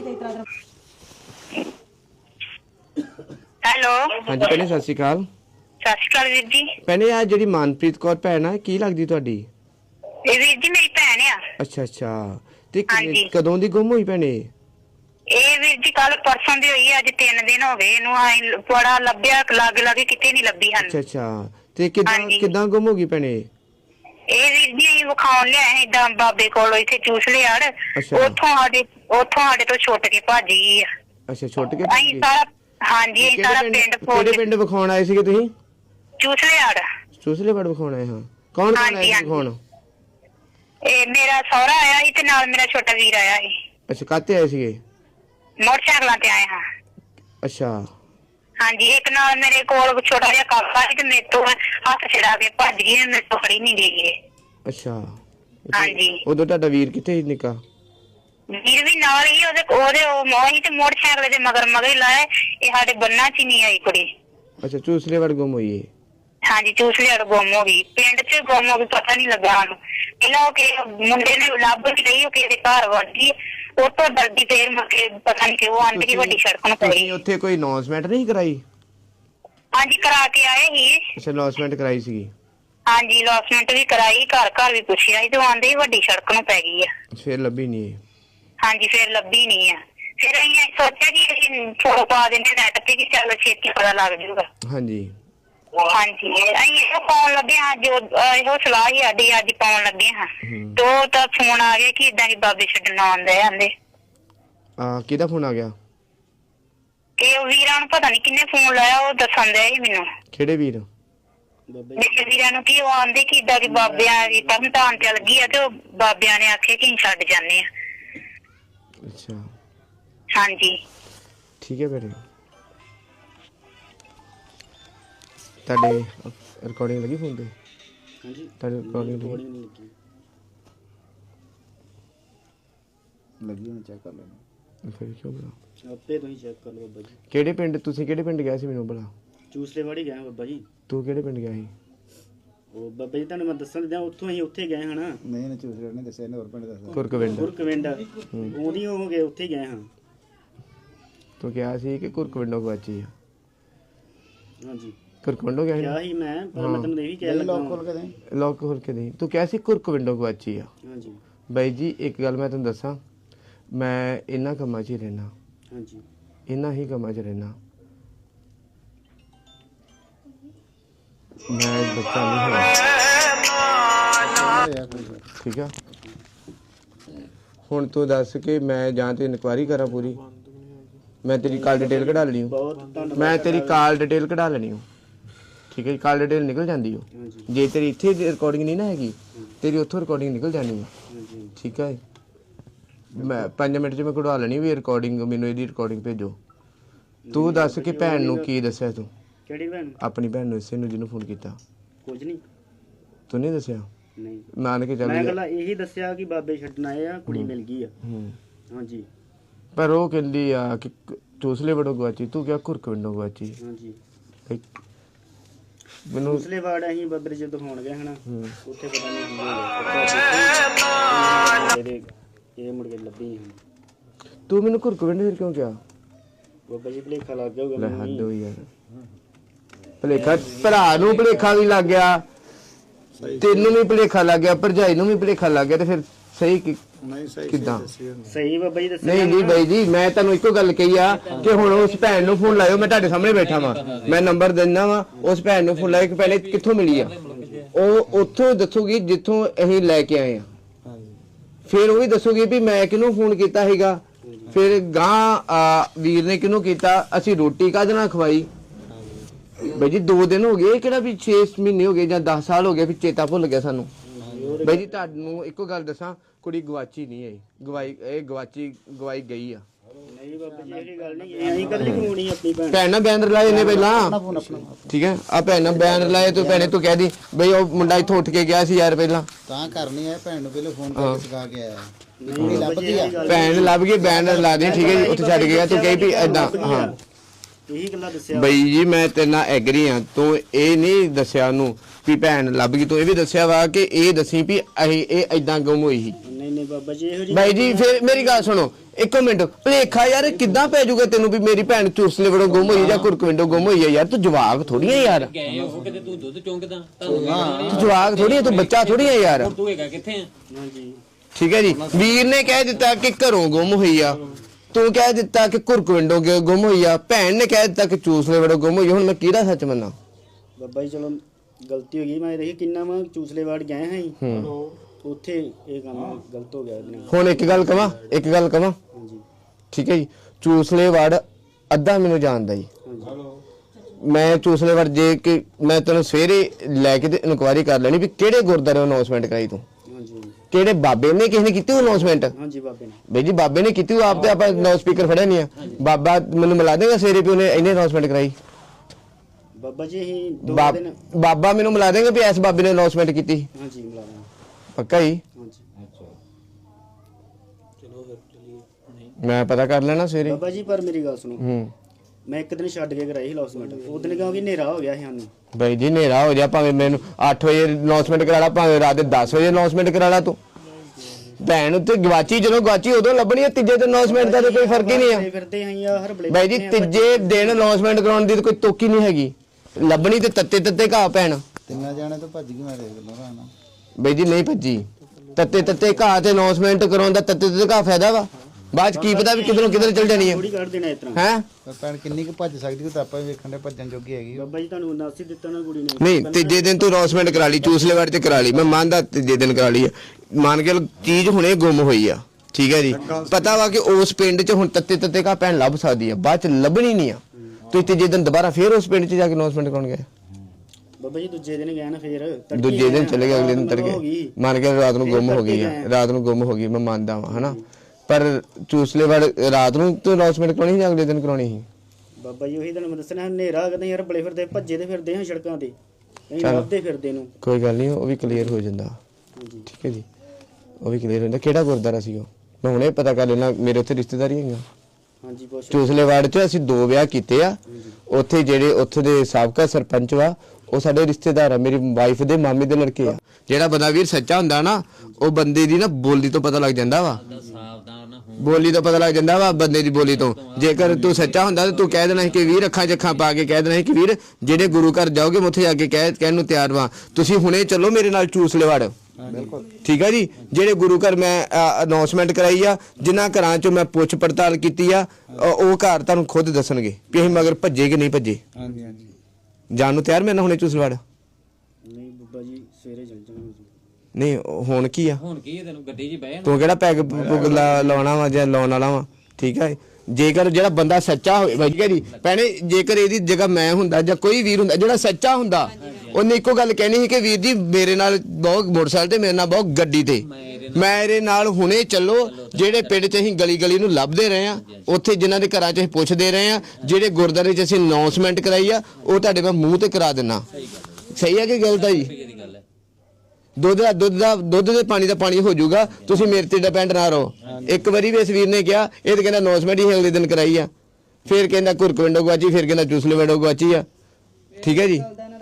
ਹੈਲੋ, ਹਾਂਜੀ ਭੈਣੇ, ਸਤਿ ਸ਼੍ਰੀ ਅਕਾਲ। ਸਤਿ ਸ਼੍ਰੀ ਅਕਾਲ ਵੀਰ ਜੀ। ਭੈਣੇ, ਆ ਜਿਹੜੀ ਮਨਪ੍ਰੀਤ ਕੌਰ ਭੈਣ ਆ, ਕੀ ਲੱਗਦੀ ਤੁਹਾਡੀ? ਇਹ ਵੀਰ ਜੀ ਮੇਰੀ ਭੈਣ ਆ। ਅੱਛਾ ਅੱਛਾ, ਤੇ ਕਦੋਂ ਦੀ ਗੁੰਮ ਹੋਈ ਭੈਣੇ? ਇਹ ਵੀਰ ਜੀ ਕੱਲ ਪਰਸੋਂ ਦੀ ਹੋਈ, ਅੱਜ 3 ਦਿਨ ਹੋ ਗਏ ਇਹਨੂੰ। ਬੜਾ ਲੱਭਿਆ, ਲਾਗੇ ਕਿਤੇ ਨਹੀਂ ਲੱਭੀ ਹਨ। ਅੱਛਾ ਅੱਛਾ, ਤੇ ਕਿਦਾਂ ਗੁੰਮ ਹੋ ਗਈ ਭੈਣੇ? ਇਹ ਵੀਰ ਜੀ ਅਸੀਂ ਵਿਖਾਉਣ ਲਿਆਏ ਸੀ ਏਦਾਂ ਬਾਬੇ ਕੋਲੋਂ, ਇੱਥੇ ਚੂਸਲੇ ਆੜ। ਉੱਥੋਂ ਸਾਡੇ ਤੋਂ ਛੁੱਟ ਕੇ ਭੱਜ ਗਈ ਆ। ਅੱਛਾ, ਛੁੱਟ ਕੇ ਅਸੀਂ ਸਾਰਾ, ਹਾਂਜੀ ਅਸੀਂ ਸਾਰਾ ਪਿੰਡ ਕਿਹੜੇ ਪਿੰਡ ਵਿਖਾਉਣ ਆਏ ਸੀਗੇ ਤੁਸੀਂ? ਚੂਸਲੇ ਆੜ। ਚੂਸਲੇ ਵੜ ਵਿਖਾਉਣ ਆਏ? ਹਾਂ, ਕੌਣ ਆਇਆ ਵਿਖਾਉਣ? ਇਹ ਮੇਰਾ ਸਹੁਰਾ ਆਇਆ ਸੀ ਤੇ ਨਾਲ ਮੇਰਾ ਛੋਟਾ ਵੀਰ ਆਇਆ ਸੀ। ਅੱਛਾ, ਕਾਹਤੇ ਆਏ ਸੀਗੇ? ਮੋਟਰਸਾਈਕਲਾਂ ਤੇ ਆਏ ਹਾਂ। ਅੱਛਾ, ਹਾਂਜੀ, ਇੱਕ ਨਾਲ ਮੇਰੇ ਕੋਲ ਛੋਟਾ ਜਿਹਾ ਕਾਕਾ ਸੀ ਤੇ ਮੇਰੇ ਤੋਂ ਹੱਥ ਛੜਾ ਕੇ ਭੱਜ ਗਈ, ਮੇਰੇ ਤੋਂ ਫੜੀ ਨਹੀਂ ਗਈ। ਅੱਛਾ, ਹਾਂਜੀ। ਉਦੋਂ ਤੁਹਾਡਾ ਵੀਰ ਕਿੱਥੇ ਸੀ ਨਿੱਕਾ? ਵੀਰ ਵੀ ਨਾਲ ਹੀ ਉਹਦੇ ਉਹ ਮੋਹੀ ਤੇ ਮੋਟਰਸਾਈਕਲ ਦੇ ਮਗਰ ਹੀ ਲਾਇਆ। ਇਹ ਸਾਡੇ ਬੰਨਾਂ 'ਚ ਹੀ ਨਹੀਂ ਆਈ ਕੁੜੀ। ਅੱਛਾ ਚੂਸਲੇ ਵੜ ਗੁੰਮ ਹੋਈ ਏ। ਹਾਂਜੀ ਚੂਸਲੇ ਗੁੰਮ ਹੋ ਗਈ, ਪਿੰਡ 'ਚ ਗੁੰਮ ਹੋ ਗਈ, ਪਤਾ ਨਹੀਂ ਲੱਗਾ ਸਾਨੂੰ। ਪਹਿਲਾਂ ਉਹ ਕਿ ਮੁੰਡੇ ਨੇ ਲੱਭ ਕੇ ਲਈ, ਉਹ ਕਿਸੇ ਘਰ ਵੜ ਗਈ, ਉਹ ਤੋਂ ਡਰਦੀ ਫੇਰ ਮੁੜ ਕੇ ਪਤਾ ਨਹੀਂ ਕਿਉਂ ਆਂਟੀ ਦੀ ਵੱਡੀ ਸੜਕ ਨੂੰ ਪਈ। ਤੁਸੀਂ ਉੱਥੇ ਕੋਈ ਅਨਾਉਂਸਮੈਂਟ ਨਹੀਂ ਕਰਾਈ? ਹਾਂਜੀ ਕਰਾ ਕੇ ਆਏ ਸੀ। ਅੱਛਾ ਅਨਾਉਂਸਮੈਂਟ ਕਰਾਈ ਸੀਗੀ। ਹਾਂਜੀ ਲੌਸਮੈਂਟ ਵੀ ਕਰਾਈ, ਘਰ ਵੀ ਪੁੱਛਿਆ ਸੀ ਤੇ ਉਹ ਆਂਦੇ ਵੱਡੀ ਸੜਕ ਨੂੰ ਪੈ ਗਈ ਆ। ਫਿਰ ਲੱਭੀ ਨਹੀਂ ਇਹ? ਹਾਂਜੀ ਫਿਰ ਲੱਭੀ ਨਹੀਂ ਆ। ਫਿਰ ਅਸੀਂ ਸੋਚਿਆ ਕਿ ਅਸੀਂ ਫੋਟੋ ਪਾ ਦਿੰਦੇ ਨੈਟ ਤੇ ਕਿ ਚੱਲ ਛੇਤੀ ਪਤਾ ਲੱਗ ਜਾਊਗਾ। ਹਾਂਜੀ ਹਾਂਜੀ ਅਸੀਂ ਇਹੋ ਪਾਉਣ ਲੱਗੇ ਹਾਂ, ਜੋ ਇਹੋ ਸਲਾਹ ਹੀ ਸਾਡੀ ਅੱਜ ਪਾਉਣ ਲੱਗੇ ਹਾਂ। ਤੇ ਉਹ ਤਾਂ ਫੋਨ ਆ ਗਿਆ ਕਿ ਇਦਾਂ ਦੀ ਬਾਬੇ ਛੱਡਣ ਆਉਂਦੇ ਆਂਦੇ। ਕਿਹਦਾ ਫੋਨ ਆ ਗਿਆ? ਇਹ ਉਹ ਵੀਰਾਂ ਨੂੰ ਪਤਾ ਨਹੀਂ ਕਿੰਨੇ ਫੋਨ ਲਾਇਆ, ਉਹ ਦੱਸਣ ਦੇ ਸੀ ਮੈਨੂੰ। ਕਿਹੜੇ ਵੀਰ? ਮੇਰੇ ਵੀਰਾਂ ਨੂੰ ਕੀ ਉਹ ਆਂਦੇ ਕਿ ਇਦਾਂ ਦੀ ਬਾਬਿਆਂ ਦੀ ਤਰਨਤਾਰਨ ਚੱਲ ਗਈ ਆ ਤੇ ਉਹ ਬਾਬਿਆਂ ਨੇ ਆਖਿਆ ਕਿ ਅਸੀਂ ਛੱਡ ਜਾਂਦੇ ਆ। ਅੱਛਾ ਹਾਂਜੀ ਠੀਕ ਹੈ ਬੇਟੇ। ਤੁਹਾਡੇ ਰਿਕਾਰਡਿੰਗ ਲੱਗੀ ਫੋਨ ਤੇ? ਹਾਂਜੀ ਤੁਹਾਡੇ ਰਿਕਾਰਡਿੰਗ ਥੋੜੀ ਨਹੀਂ ਲੱਗੀ। ਲੱਗੀ ਹੋਣੀ, ਚੈੱਕ ਕਰ ਲੈਣਾ। ਫਿਰ ਕਿਉਂ ਬੁਲਾ? ਆਪੇ ਤੁਸੀਂ ਚੈੱਕ ਕਰ ਲਓ ਬਾਬਾ ਜੀ। ਕਿਹੜੇ ਪਿੰਡ ਤੁਸੀਂ ਕਿਹੜੇ ਪਿੰਡ ਗਿਆ ਸੀ ਮੈਨੂੰ ਬੁਲਾ? ਚੂਸਲੇ ਵਾੜੀ ਗਏ ਬਾਬਾ ਜੀ। ਤੂੰ ਕਿਹੜੇ ਪਿੰਡ ਗਿਆ ਸੀ? ਉਹ ਬਾਬਾ ਜੀ ਤੁਹਾਨੂੰ ਮੈਂ ਦੱਸਣ ਦਿਆਂ, ਉੱਥੋਂ ਅਸੀਂ ਉੱਥੇ ਗਏ ਹਨਾ। ਨਹੀਂ ਨਾ ਚੂਸਲੇ ਨੇ ਦੱਸਿਆ, ਇਹਨੇ ਹੋਰ ਪਿੰਡ ਦੱਸਿਆ। ਕੁਰਕਵਿੰਡ। ਕੁਰਕਵਿੰਡ ਉਹਦੀ ਹੋ ਗਏ, ਉੱਥੇ ਗਏ ਹਾਂ। ਤੂੰ ਕਿਹਾ ਸੀ ਕਿ ਕੁਰਕਵਿੰਡੋਂ ਗਵਾਚੀ ਆ? ਹਾਂਜੀ ਕੁਰਕਵਿੰਡੋਂ ਗਿਆ ਕਿਹਾ ਸੀ ਮੈਂ, ਪਰ ਮੈਂ ਤੁਹਾਨੂੰ ਇਹ ਵੀ ਕਹਿ ਲੱਗਾ। ਲੋਕ ਖੋਲ ਕੇ ਦੇ, ਲੋਕ ਖੋਲ ਕੇ ਦੇ। ਤੂੰ ਕਿਹਾ ਸੀ ਕੁਰਕਵਿੰਡੋਂ ਗਵਾਚੀ ਆ? ਹਾਂਜੀ ਬਾਈ ਜੀ ਇੱਕ ਗੱਲ ਮੈਂ ਤੁਹਾਨੂੰ ਦੱਸਾਂ, ਮੈਂ ਇਹਨਾਂ ਕੰਮਾਂ 'ਚ ਹੀ ਰਹਿਣਾ, ਹਾਂਜੀ ਇਹਨਾਂ ਹੀ ਕੰਮਾਂ 'ਚ ਰਹਿਣਾ। ਮੈਂ ਬੱਚਾ ਨਹੀਂ ਹੈਗਾ, ਠੀਕ ਆ? ਹੁਣ ਤੂੰ ਦੱਸ ਕਿ ਮੈਂ ਜਾਂ ਤੇ ਇਨਕੁਆਇਰੀ ਕਰਾਂ ਪੂਰੀ, ਮੈਂ ਤੇਰੀ ਕਾਲ ਡਿਟੇਲ ਕਢਾ ਲੈਣੀ ਬਹੁਤ ਧੰਨਵਾਦ। ਮੈਂ ਤੇਰੀ ਕਾਲ ਡਿਟੇਲ ਕਢਾ ਲੈਣੀ ਹੋ, ਠੀਕ ਹੈ ਜੀ? ਕਾਲ ਡਿਟੇਲ ਨਿਕਲ ਜਾਂਦੀ ਹੋ। ਜੇ ਤੇਰੀ ਇੱਥੇ ਰਿਕਾਰਡਿੰਗ ਨਹੀਂ ਨਾ ਹੈਗੀ, ਤੇਰੀ ਉੱਥੋਂ ਰਿਕਾਰਡਿੰਗ ਨਿਕਲ ਜਾਣੀ ਹੈ, ਠੀਕ ਹੈ? ਮੈਂ 5 ਮਿੰਟ 'ਚ ਮੈਂ ਕਢਵਾ ਲੈਣੀ ਵੀ ਰਿਕਾਰਡਿੰਗ, ਮੈਨੂੰ ਇਹਦੀ ਰਿਕਾਰਡਿੰਗ ਭੇਜੋ। ਤੂੰ ਦੱਸ ਕਿ ਭੈਣ ਨੂੰ ਕੀ ਦੱਸਿਆ ਤੂੰ? ਕਿਹੜੀ ਭੈਣ? ਆਪਣੀ ਭੈਣ ਨੂੰ, ਇਸੇ ਨੂੰ ਜਿਹਨੂੰ ਫੋਨ ਕੀਤਾ। ਕੁਝ ਨਹੀਂ। ਤੂੰ ਨਹੀਂ ਦੱਸਿਆ? ਨਹੀਂ ਮੰਨ ਕੇ ਚੱਲ ਮੈਂ ਗੱਲਾਂ ਇਹੀ ਦੱਸਿਆ ਕਿ ਬਾਬੇ ਛੱਡਣ ਆਏ ਆ, ਕੁੜੀ ਮਿਲ ਗਈ ਆ। ਹਾਂਜੀ ਪਰ ਉਹ ਕਹਿੰਦੀ ਆ ਕਿ ਚੂਸਲੇ ਵੜੋਂ ਗਵਾਚੀ, ਤੂੰ ਕਿਹਾ ਕੁਰਕਵਿੰਡੋਂ ਗਵਾਚੀ। ਹਾਂਜੀ ਮੈਨੂੰ ਉਸਲੇ ਵਾਰ ਅਸੀਂ ਬਾਬੇ ਜਦੋਂ ਹੋਣ ਗਏ ਹਨਾ, ਉੱਥੇ ਪਤਾ ਨਹੀਂ ਕੀ ਹੋ ਗਿਆ, ਇਹ ਮੁੜ ਕੇ ਲੱਭੀ। ਤੂੰ ਮੈਨੂੰ ਕੁਰਕਵਿੰਡ ਫਿਰ ਕਿਉਂ ਕਿਹਾ? ਬਾਬਾ ਜੀ ਭਲੇਖਾ ਲੱਗ ਗਿਆ ਹੋਊਗਾ ਲੈ ਮੈਨੂੰ। ਹੱਦ ਹੋਈ ਯਾਰ, ਭਲੇਖਾ ਭਰਾ ਨੂੰ ਭਲੇਖਾ ਵੀ ਲੱਗ ਗਿਆ, ਤੈਨੂੰ ਵੀ ਭਲੇਖਾ ਲੱਗ ਗਿਆ, ਭਰਜਾਈ ਨੂੰ ਵੀ ਭਲੇਖਾ ਲੱਗ ਗਿਆ, ਤੇ ਫਿਰ ਸਹੀ ਨਹੀਂ ਸਹੀ ਕਿੱਦਾਂ? ਸਹੀ ਬਾਬਾ ਜੀ ਦੱਸਿਆ। ਨਹੀਂ ਜੀ ਬਾਈ ਜੀ, ਮੈਂ ਤੁਹਾਨੂੰ ਇੱਕੋ ਗੱਲ ਕਹੀ ਆ ਕਿ ਹੁਣ ਉਸ ਭੈਣ ਨੂੰ ਫੋਨ ਲਾਇਓ, ਮੈਂ ਤੁਹਾਡੇ ਸਾਹਮਣੇ ਬੈਠਾ ਵਾਂ, ਮੈਂ ਨੰਬਰ ਦਿੰਦਾ ਵਾਂ, ਉਸ ਭੈਣ ਨੂੰ ਫੋਨ ਲਾਇਓ ਕਿ ਪਹਿਲੇ ਕਿੱਥੋਂ ਮਿਲੀ ਆ, ਉਹ ਉੱਥੋਂ ਦੱਸੂਗੀ ਜਿੱਥੋਂ ਅਸੀਂ ਲੈ ਕੇ ਆਏ ਆ, ਫਿਰ ਉਹ ਵੀ ਦੱਸੂਗੀ ਵੀ ਮੈਂ ਕਿਹਨੂੰ ਫੋਨ ਕੀਤਾ ਸੀਗਾ, ਫਿਰ ਗਾਂ ਵੀਰ ਨੇ ਕਿਹਨੂੰ ਕੀਤਾ, ਅਸੀਂ ਰੋਟੀ ਕਾਹਦੇ ਨਾਲ ਖਵਾਈ। ਬਾਈ ਜੀ 2 ਦਿਨ ਹੋ ਗਏ, ਕਿਹੜਾ ਵੀ 6 ਮਹੀਨੇ ਹੋ ਗਏ ਜਾਂ 10 ਸਾਲ ਹੋ ਗਏ, ਫਿਰ ਚੇਤਾ ਭੁੱਲ ਗਿਆ ਸਾਨੂੰ। ਬਾਈ ਜੀ ਤੁਹਾਨੂੰ ਇੱਕੋ ਗੱਲ ਦੱਸਾਂ, ਕੁੜੀ ਗਵਾਚੀ ਨਹੀਂ ਆਈ, ਗਵਾਈ ਗਈ ਆ। ਨਹੀਂ ਬਾਬਾ ਜੀ ਇਹ ਗੱਲ ਨਹੀਂ, ਅਸੀਂ ਕਦੇ ਨਹੀਂ ਖਵਾਉਣੀ ਆਪਣੀ ਭੈਣ। ਭੈਣ ਨਾਲ ਬਿਆਨ ਲਾਏ ਨੇ ਪਹਿਲਾਂ, ਠੀਕ ਹੈ? ਆ ਭੈਣ ਨਾਲ ਬਿਆਨ ਲਾਏ, ਤੂੰ ਭੈਣੇ ਤੂੰ ਕਹਿ ਦੀ ਬਈ ਉਹ ਮੁੰਡਾ ਇੱਥੋਂ ਉੱਠ ਕੇ ਗਿਆ ਸੀ ਯਾਰ ਪਹਿਲਾਂ, ਤਾਂ ਕਰਨੀ ਹੈ। ਭੈਣ ਨੂੰ ਪਹਿਲੇ ਫੋਨ ਕਰਕੇ ਸਿਖਾ ਕੇ ਆਇਆ, ਕੁੜੀ ਲੱਭ ਗਈ ਆ। ਭੈਣ ਲੱਭ ਗਈ, ਬਿਆਨ ਲਾ ਦੇ, ਠੀਕ ਹੈ ਜੀ? ਉੱਥੇ ਛੱਡ ਗਿਆ, ਤੂੰ ਕਹੀ ਵੀ ਏਦਾਂ। ਹਾਂ ਇਹੀ ਗੱਲਾਂ ਦੱਸਿਆ ਬਈ ਜੀ, ਮੈਂ ਤੇਰੇ ਨਾਲ ਐਗਰੀ ਆ। ਤੂੰ ਇਹ ਨਹੀਂ ਦੱਸਿਆ ਉਹਨੂੰ ਵੀ ਭੈਣ ਲੱਭ ਗਈ, ਤੂੰ ਇਹ ਵੀ ਦੱਸਿਆ ਵਾ ਕਿ ਇਹ ਦੱਸੀ ਵੀ ਇਹ ਏਦਾਂ ਗੁੰਮ ਹੋਈ ਸੀ। ਨਹੀਂ ਬਾਬਾ ਜੀ ਇਹੋ ਜਿਹੀ ਬਾਈ ਜੀ ਫਿਰ ਮੇਰੀ ਗੱਲ ਸੁਣੋ, ਇੱਕੋ ਮਿੰਟ, ਭਲੇਖਾ ਯਾਰ ਕਿੱਦਾਂ ਪੈ ਜਾਊਗਾ ਤੈਨੂੰ ਵੀ ਮੇਰੀ ਭੈਣ ਚੂਸਲੇ ਵੜੋਂ ਗੁੰਮ ਹੋਈ ਜਾਂ ਕੁਰਕਵਿੰਡੋਂ ਗੁੰਮ ਹੋਈ ਹੈ? ਯਾਰ ਤੂੰ ਜਵਾਕ ਥੋੜੀ ਹੈ ਯਾਰ, ਤੂੰ ਦੁੱਧ ਚੁੰਗਦਾ, ਤੂੰ ਜਵਾਕ ਥੋੜੀ ਹੈ, ਤੂੰ ਬੱਚਾ ਥੋੜੀ ਹੈ ਯਾਰ। ਤੂੰ ਹੈਗਾ ਕਿੱਥੇ ਆ? ਹਾਂਜੀ ਠੀਕ ਹੈ ਜੀ? ਵੀਰ ਨੇ ਕਹਿ ਦਿੱਤਾ ਕਿ ਘਰੋਂ ਗੁੰਮ ਹੋਈ ਆ, ਤੂੰ ਕਹਿ ਦਿੱਤਾ ਕਿ ਕੁਰਕਵਿੰਡੋਂ ਗੁੰਮ ਹੋਈ ਆ, ਭੈਣ ਨੇ ਕਹਿ ਦਿੱਤਾ ਕਿ ਚੂਸਲੇ ਵੜੋਂ ਗੁੰਮ ਹੋਈ। ਹੁਣ ਮੈਂ ਕਿਹਦਾ ਸੱਚ ਮੰਨਾਂ? ਬਾਬਾ ਜੀ ਚਲੋ ਗਲਤੀ ਹੋ ਗਈ, ਮੈਂ ਰਹੀ ਕਿੰਨਾ ਮੈਂ ਚੂਸਲੇ ਵਾੜ ਗਏ ਹਾਂ ਉੱਥੇ ਇਹ ਕੰਮ ਗਲਤ ਹੋ ਗਿਆ ਇਹਦੇ ਨਾਲ। ਹੁਣ ਇੱਕ ਗੱਲ ਕਵਾਂ, ਹਾਂਜੀ ਠੀਕ ਹੈ ਜੀ? ਚੂਸਲੇ ਵੜ ਅੱਧਾ ਮੈਨੂੰ ਜਾਣਦਾ ਜੀ, ਮੈਂ ਚੂਸਲੇ ਵੜ ਜੇ ਕਿ ਮੈਂ ਤੈਨੂੰ ਸਵੇਰੇ ਲੈ ਕੇ ਤੇ ਇਨਕੁਆਇਰੀ ਕਰ ਲੈਣੀ ਵੀ ਕਿਹੜੇ ਗੁਰਦੁਆਰੇ ਅਨਾਉਂਸਮੈਂਟ ਕਰਾਈ ਤੂੰ, ਕਿਹੜੇ ਬਾਬੇ ਨੇ, ਕਿਸੇ ਨੇ ਕੀਤੀ ਅਨਾਉਂਸਮੈਂਟ? ਹਾਂਜੀ ਬਾਬੇ ਨੇ। ਬਈ ਜੀ ਬਾਬੇ ਨੇ ਕੀਤੀ, ਉਹ ਆਪ ਤੇ ਆਪਾਂ ਲਾਊਡ ਸਪੀਕਰ ਫੜਿਆ ਨਹੀਂ ਆ। ਬਾਬਾ ਮੈਨੂੰ ਮਿਲਾ ਦੇਗਾ ਸਵੇਰੇ ਵੀ ਉਹਨੇ ਇਹਨੇ ਅਨਾਉਂਸਮੈਂਟ ਕਰਾਈ? ਬਾਬਾ ਜੀ ਅਸੀਂ 2 ਦਿਨ ਬਾਬਾ ਮੈਨੂੰ ਮਿਲਾ ਦੇਗਾ ਵੀ ਇਸ ਬਾਬੇ ਨੇ ਅਨਾਉਂਸਮੈਂਟ ਕੀਤੀ? ਹਾਂਜੀ ਮਿਲਾ ਦਾਂਗੇ ਪੱਕਾ ਹੀ? ਹਾਂਜੀ ਚਲੋ ਫਿਰ ਮੈਂ ਪਤਾ ਕਰ ਲੈਣਾ ਸਵੇਰੇ। ਬਾਬਾ ਜੀ ਪਰ ਮੇਰੀ ਗੱਲ ਸੁਣੋ, ਮੈਂ ਇੱਕ ਦਿਨ ਛੱਡ ਕੇ ਕਰਾਈ ਸੀ ਲੌਸਮੈਂਟ, ਉਹ ਦਿਨ ਕਿਉਂਕਿ ਹਨੇਰਾ ਹੋ ਗਿਆ ਸੀ ਸਾਨੂੰ। ਬਾਈ ਜੀ ਹਨੇਰਾ ਹੋ ਜਾ, ਭਾਵੇਂ ਮੈਨੂੰ 8 ਵਜੇ ਅਨਾਉਂਸਮੈਂਟ ਕਰਾ ਲਾ, ਭਾਵੇਂ ਰਾਤ ਦੇ 10 ਵਜੇ ਅਨਾਉਂਸਮੈਂਟ ਕਰਾ ਲਾ, ਤੂੰ ਭੈਣ ਉੱਤੇ ਗਵਾਚੀ ਜਦੋਂ ਗਵਾਚੀ ਉਦੋਂ ਲੱਭਣੀ ਹੈ। ਤੀਜੇ ਦਿਨ ਅਨਾਉਂਸਮੈਂਟ ਦਾ ਕੋਈ ਫਰਕ ਹੀ ਨਹੀਂ ਆ। ਫਿਰਦੇ ਆਂ ਯਾਰ ਹਰਬਲੇ ਬਾਈ ਜੀ ਤੀਜੇ ਦਿਨ ਅਨਾਉਂਸਮੈਂਟ ਕਰਾਉਣ ਦੀ ਕੋਈ ਤੋਕੀ ਨਹੀਂ ਹੈਗੀ, ਲੱਭਣੀ ਤੇ ਤੱਤੇ ਘਾਹ ਭੈਣ। ਤਿੰਨਾਂ ਜਾਣੇ ਤੋਂ ਭੱਜ ਗਈ, ਮੈਂ ਦੇਖ ਲਵਾਂ ਨਾ ਬਾਈ ਜੀ ਨਹੀਂ ਭੱਜੀ, ਤੱਤੇ ਘਾਹ ਤੇ ਅਨਾਉਂਸਮੈਂਟ ਕਰਾਉਣ ਦਾ ਤੱਤੇ ਘਾਹ ਫਾਇਦਾ ਵਾ, ਬਾਅਦ ਚ ਕੀ ਪਤਾ ਵੀ ਕਿਧਰੋਂ ਕਿਧਰ ਚੱਲ ਜਾਣੀ ਹੈ। ਥੋੜੀ ਕੱਢ ਦੇਣਾ ਇਸ ਤਰ੍ਹਾਂ ਹੈ ਪਰ ਭੈਣ ਕਿੰਨੀ ਕੁ ਭੱਜ ਸਕਦੀ ਉਹ ਤਾਂ ਆਪਾਂ ਵੀ ਵੇਖਣ ਦੇ ਭੱਜਣ ਜੋਗੀ ਹੈਗੀ। ਬਾਬਾ ਜੀ ਤੁਹਾਨੂੰ ਨਾਸੀ ਦਿੱਤਾ ਨਾ ਕੁੜੀ ਨੇ। ਨਹੀਂ ਤੀਜੇ ਦਿਨ ਤੂੰ ਅਨਾਉਂਸਮੈਂਟ ਕਰਾ ਲਈ, ਚੂਸਲੇ ਵਾਰ ਤੇ ਕਰਾ ਲਈ, ਮੈਂ ਮੰਨਦਾ ਤੀਜੇ ਦਿਨ ਕਰਾ ਲਈ, ਮੰਨ ਕੇ ਚੀਜ਼ ਹੁਣੇ ਗੁੰਮ ਹੋਈ ਆ, ਠੀਕ ਹੈ ਜੀ। ਪਤਾ ਵਾ ਕਿ ਉਸ ਪਿੰਡ 'ਚ ਹੁਣ ਤੱਤੇ ਘਾਹ ਭੈਣ ਲੱਭ ਸਕਦੀ ਆ, ਬਾਅਦ 'ਚ ਲੱਭਣੀ ਨਹੀਂ ਆ। ਤੁਸੀਂ ਤੀਜੇ ਦਿਨ ਦੁਬਾਰਾ ਫੇਰ ਉਸ ਪਿੰਡ 'ਚ ਜਾ ਕੇ ਅਨਾਉਂਸਮੈਂਟ ਕਰਾਉਣ ਗਏ। ਬਾਬਾ ਜੀ ਦੂਜੇ ਦਿਨ ਗਿਆ ਨਾ ਫੇਰ ਦੂਜੇ ਦਿਨ ਚਲੇ ਗਏ, ਅਗਲੇ ਦਿਨ ਤੜਕੇ ਮੰਨ ਕੇ ਰਾਤ ਨੂੰ ਗੁੰਮ ਹੋ ਗਈ ਆ, ਰਾਤ ਨੂੰ ਗੁੰਮ ਹੋ ਗਈ, ਮੈਂ ਮੰਨਦਾ ਵਾਂ ਹਨਾ। ਪਰ ਚੂਸਲੇ ਵਾਰ ਰਾਤ ਨੂੰ ਤੂੰ ਅਨਾਉਂਸਮੈਂਟ ਕਰਾਉਣੀ ਸੀ ਜਾਂ ਅਗਲੇ ਦਿਨ ਕਰਾਉਣੀ ਸੀ? ਬਾਬਾ ਜੀ ਉਹੀ ਤੁਹਾਨੂੰ ਦੱਸਣਾ, ਹਨੇਰਾ ਕਹਿੰਦੇ ਯਾਰ ਬੜੇ ਫਿਰਦੇ ਭੱਜੇ ਤੇ ਫਿਰਦੇ ਹਾਂ ਸੜਕਾਂ ਤੇ, ਅਸੀਂ ਲੱਭਦੇ ਫਿਰਦੇ ਨੂੰ। ਕੋਈ ਗੱਲ ਨਹੀਂ, ਉਹ ਵੀ ਕਲੀਅਰ ਹੋ ਜਾਂਦਾ, ਠੀਕ ਹੈ ਜੀ, ਉਹ ਵੀ ਕਲੀਅਰ ਹੋ ਜਾਂਦਾ। ਕਿਹੜਾ ਗੁਰਦੁਆਰਾ ਸੀ ਉਹ? ਮੈਂ ਹੁਣੇ ਪਤਾ ਕਰ ਲੈਣਾ, ਮੇਰੇ ਉੱਥੇ ਰਿਸ਼ਤੇਦਾਰੀ ਹੈਗਾ। ਹਾਂਜੀ ਪੁੱਛ। ਚੂਸਲੇ ਵਾਰਡ 'ਚ ਅਸੀਂ 2 ਵਿਆਹ ਕੀਤੇ ਆ। ਉੱਥੇ ਜਿਹੜੇ ਉੱਥੇ ਦੇ ਸਾਬਕਾ ਸਰਪੰਚ ਵਾ ਉਹ ਸਾਡੇ ਰਿਸ਼ਤੇਦਾਰ ਆ, ਮੇਰੀ ਵਾਈਫ ਦੇ ਮਾਮੇ ਦੇ ਲੜਕੇ ਆ। ਜਿਹੜਾ ਬੰਦਾ ਵੀਰ ਸੱਚਾ ਹੁੰਦਾ ਨਾ, ਉਹ ਬੰਦੇ ਦੀ ਨਾ ਬੋਲੀ ਤੋਂ ਪਤਾ ਲੱਗ ਜਾਂਦਾ ਵਾ, ਬੋਲੀ ਤੋਂ ਪਤਾ ਲੱਗ ਜਾਂਦਾ ਵਾ ਬੰਦੇ ਦੀ ਬੋਲੀ ਤੋਂ। ਜੇਕਰ ਤੂੰ ਸੱਚਾ ਹੁੰਦਾ ਤਾਂ ਤੂੰ ਕਹਿ ਦੇਣਾ ਸੀ ਕਿ ਵੀਰ ਅੱਖਾਂ 'ਚ ਅੱਖਾਂ ਪਾ ਕੇ ਕਹਿ ਦੇਣਾ ਸੀ ਕਿ ਵੀਰ ਜਿਹੜੇ ਗੁਰੂ ਘਰ ਜਾਓਗੇ ਮੈਂ ਉੱਥੇ ਜਾ ਕੇ ਕਹਿਣ ਨੂੰ ਤਿਆਰ ਵਾਂ, ਤੁਸੀਂ ਹੁਣੇ ਚੱਲੋ ਮੇਰੇ ਨਾਲ ਚੂਸਲੇ ਵਾਰਡ। ਠੀਕ ਹੈ ਜੀ। ਜਿਹੜੇ ਗੁਰੂ ਘਰ ਮੈਂ ਅਨਾਉਂਸਮੈਂਟ ਕਰਾਈ ਆ, ਜਿਨ੍ਹਾਂ ਘਰਾਂ 'ਚੋਂ ਮੈਂ ਪੁੱਛ ਪੜਤਾਲ ਕੀਤੀ ਆ, ਉਹ ਘਰ ਤੁਹਾਨੂੰ ਖੁਦ ਦੱਸਣਗੇ ਕਿ ਅਸੀਂ ਮਗਰ ਭੱਜੇ ਕਿ ਨਹੀਂ ਭੱਜੇ। ਹਾਂਜੀ ਹਾਂਜੀ ਜਾਣ ਨੂੰ ਤਿਆਰ ਮੇਰੇ ਨਾਲ ਹੁਣੇ ਚੂਸਲੇ ਵਾਰਡ? ਨਹੀਂ ਬਾਬਾ ਜੀ ਸਵੇਰੇ ਚੱਲ ਜਾਣਾ। ਨਹੀਂ ਹੁਣ ਕੀ ਆ? ਹੁਣ ਕੀ ਹੈ ਤੈਨੂੰ ਗੱਡੀ 'ਚ ਬਹਿ ਤੂੰ ਕਿਹੜਾ ਪੈਗ ਪੁਗ ਲਾਉਣਾ ਵਾ ਜਾਂ ਲਾਉਣ ਵਾਲਾ ਵਾ? ਠੀਕ ਹੈ। ਜੇਕਰ ਜਿਹੜਾ ਬੰਦਾ ਸੱਚਾ ਹੋਵੇ, ਠੀਕ ਹੈ ਜੀ ਭੈਣੇ, ਜੇਕਰ ਇਹਦੀ ਜਗ੍ਹਾ ਮੈਂ ਹੁੰਦਾ ਜਾਂ ਕੋਈ ਵੀਰ ਹੁੰਦਾ ਜਿਹੜਾ ਸੱਚਾ ਹੁੰਦਾ, ਉਹਨੇ ਇੱਕੋ ਗੱਲ ਕਹਿਣੀ ਸੀ ਕਿ ਵੀਰ ਜੀ ਮੇਰੇ ਨਾਲ ਬਹੁਤ ਮੋਟਰਸਾਈਕਲ ਤੇ, ਮੇਰੇ ਨਾਲ ਬਹੁਤ ਗੱਡੀ ਤੇ, ਮੇਰੇ ਨਾਲ ਹੁਣੇ ਚੱਲੋ। ਜਿਹੜੇ ਪਿੰਡ 'ਚ ਅਸੀਂ ਗਲੀ ਨੂੰ ਲੱਭਦੇ ਰਹੇ ਆ, ਉੱਥੇ ਜਿਨ੍ਹਾਂ ਦੇ ਘਰਾਂ 'ਚ ਅਸੀਂ ਪੁੱਛਦੇ ਰਹੇ ਆ, ਜਿਹੜੇ ਗੁਰਦੁਆਰੇ 'ਚ ਅਸੀਂ ਅਨਾਉਂਸਮੈਂਟ ਕਰਾਈ ਆ, ਉਹ ਤੁਹਾਡੇ ਮੈਂ ਮੂੰਹ ਤੇ ਕਰਾ ਦਿੰਨਾ। ਸਹੀ ਹੈ ਕਿ ਗਲਤ ਹੈ ਜੀ? ਦੁੱਧ ਦੇ ਪਾਣੀ ਦਾ ਪਾਣੀ ਹੋ ਜਾਊਗਾ, ਤੁਸੀਂ ਮੇਰੇ ਤੇ ਡਿਪੈਂਡ ਨਾ ਰਹੋ। ਇੱਕ ਵਾਰੀ ਵੀ ਇਸ ਵੀਰ ਨੇ ਕਿਹਾ, ਇਹ ਤਾਂ ਕਹਿੰਦਾ ਅਨਾਉਂਸਮੈਂਟ ਹੀ ਅਗਲੇ ਦਿਨ ਕਰਾਈ ਆ, ਫਿਰ ਕਹਿੰਦਾ ਘੁਰਕ ਵਿੰਡੋ ਗਵਾਚੀ, ਫਿਰ ਕਹਿੰਦਾ ਚੂਸਲੇ ਵਿੰਡੋ ਗਵਾਚੀ ਆ। ਠੀਕ ਹੈ ਜੀ।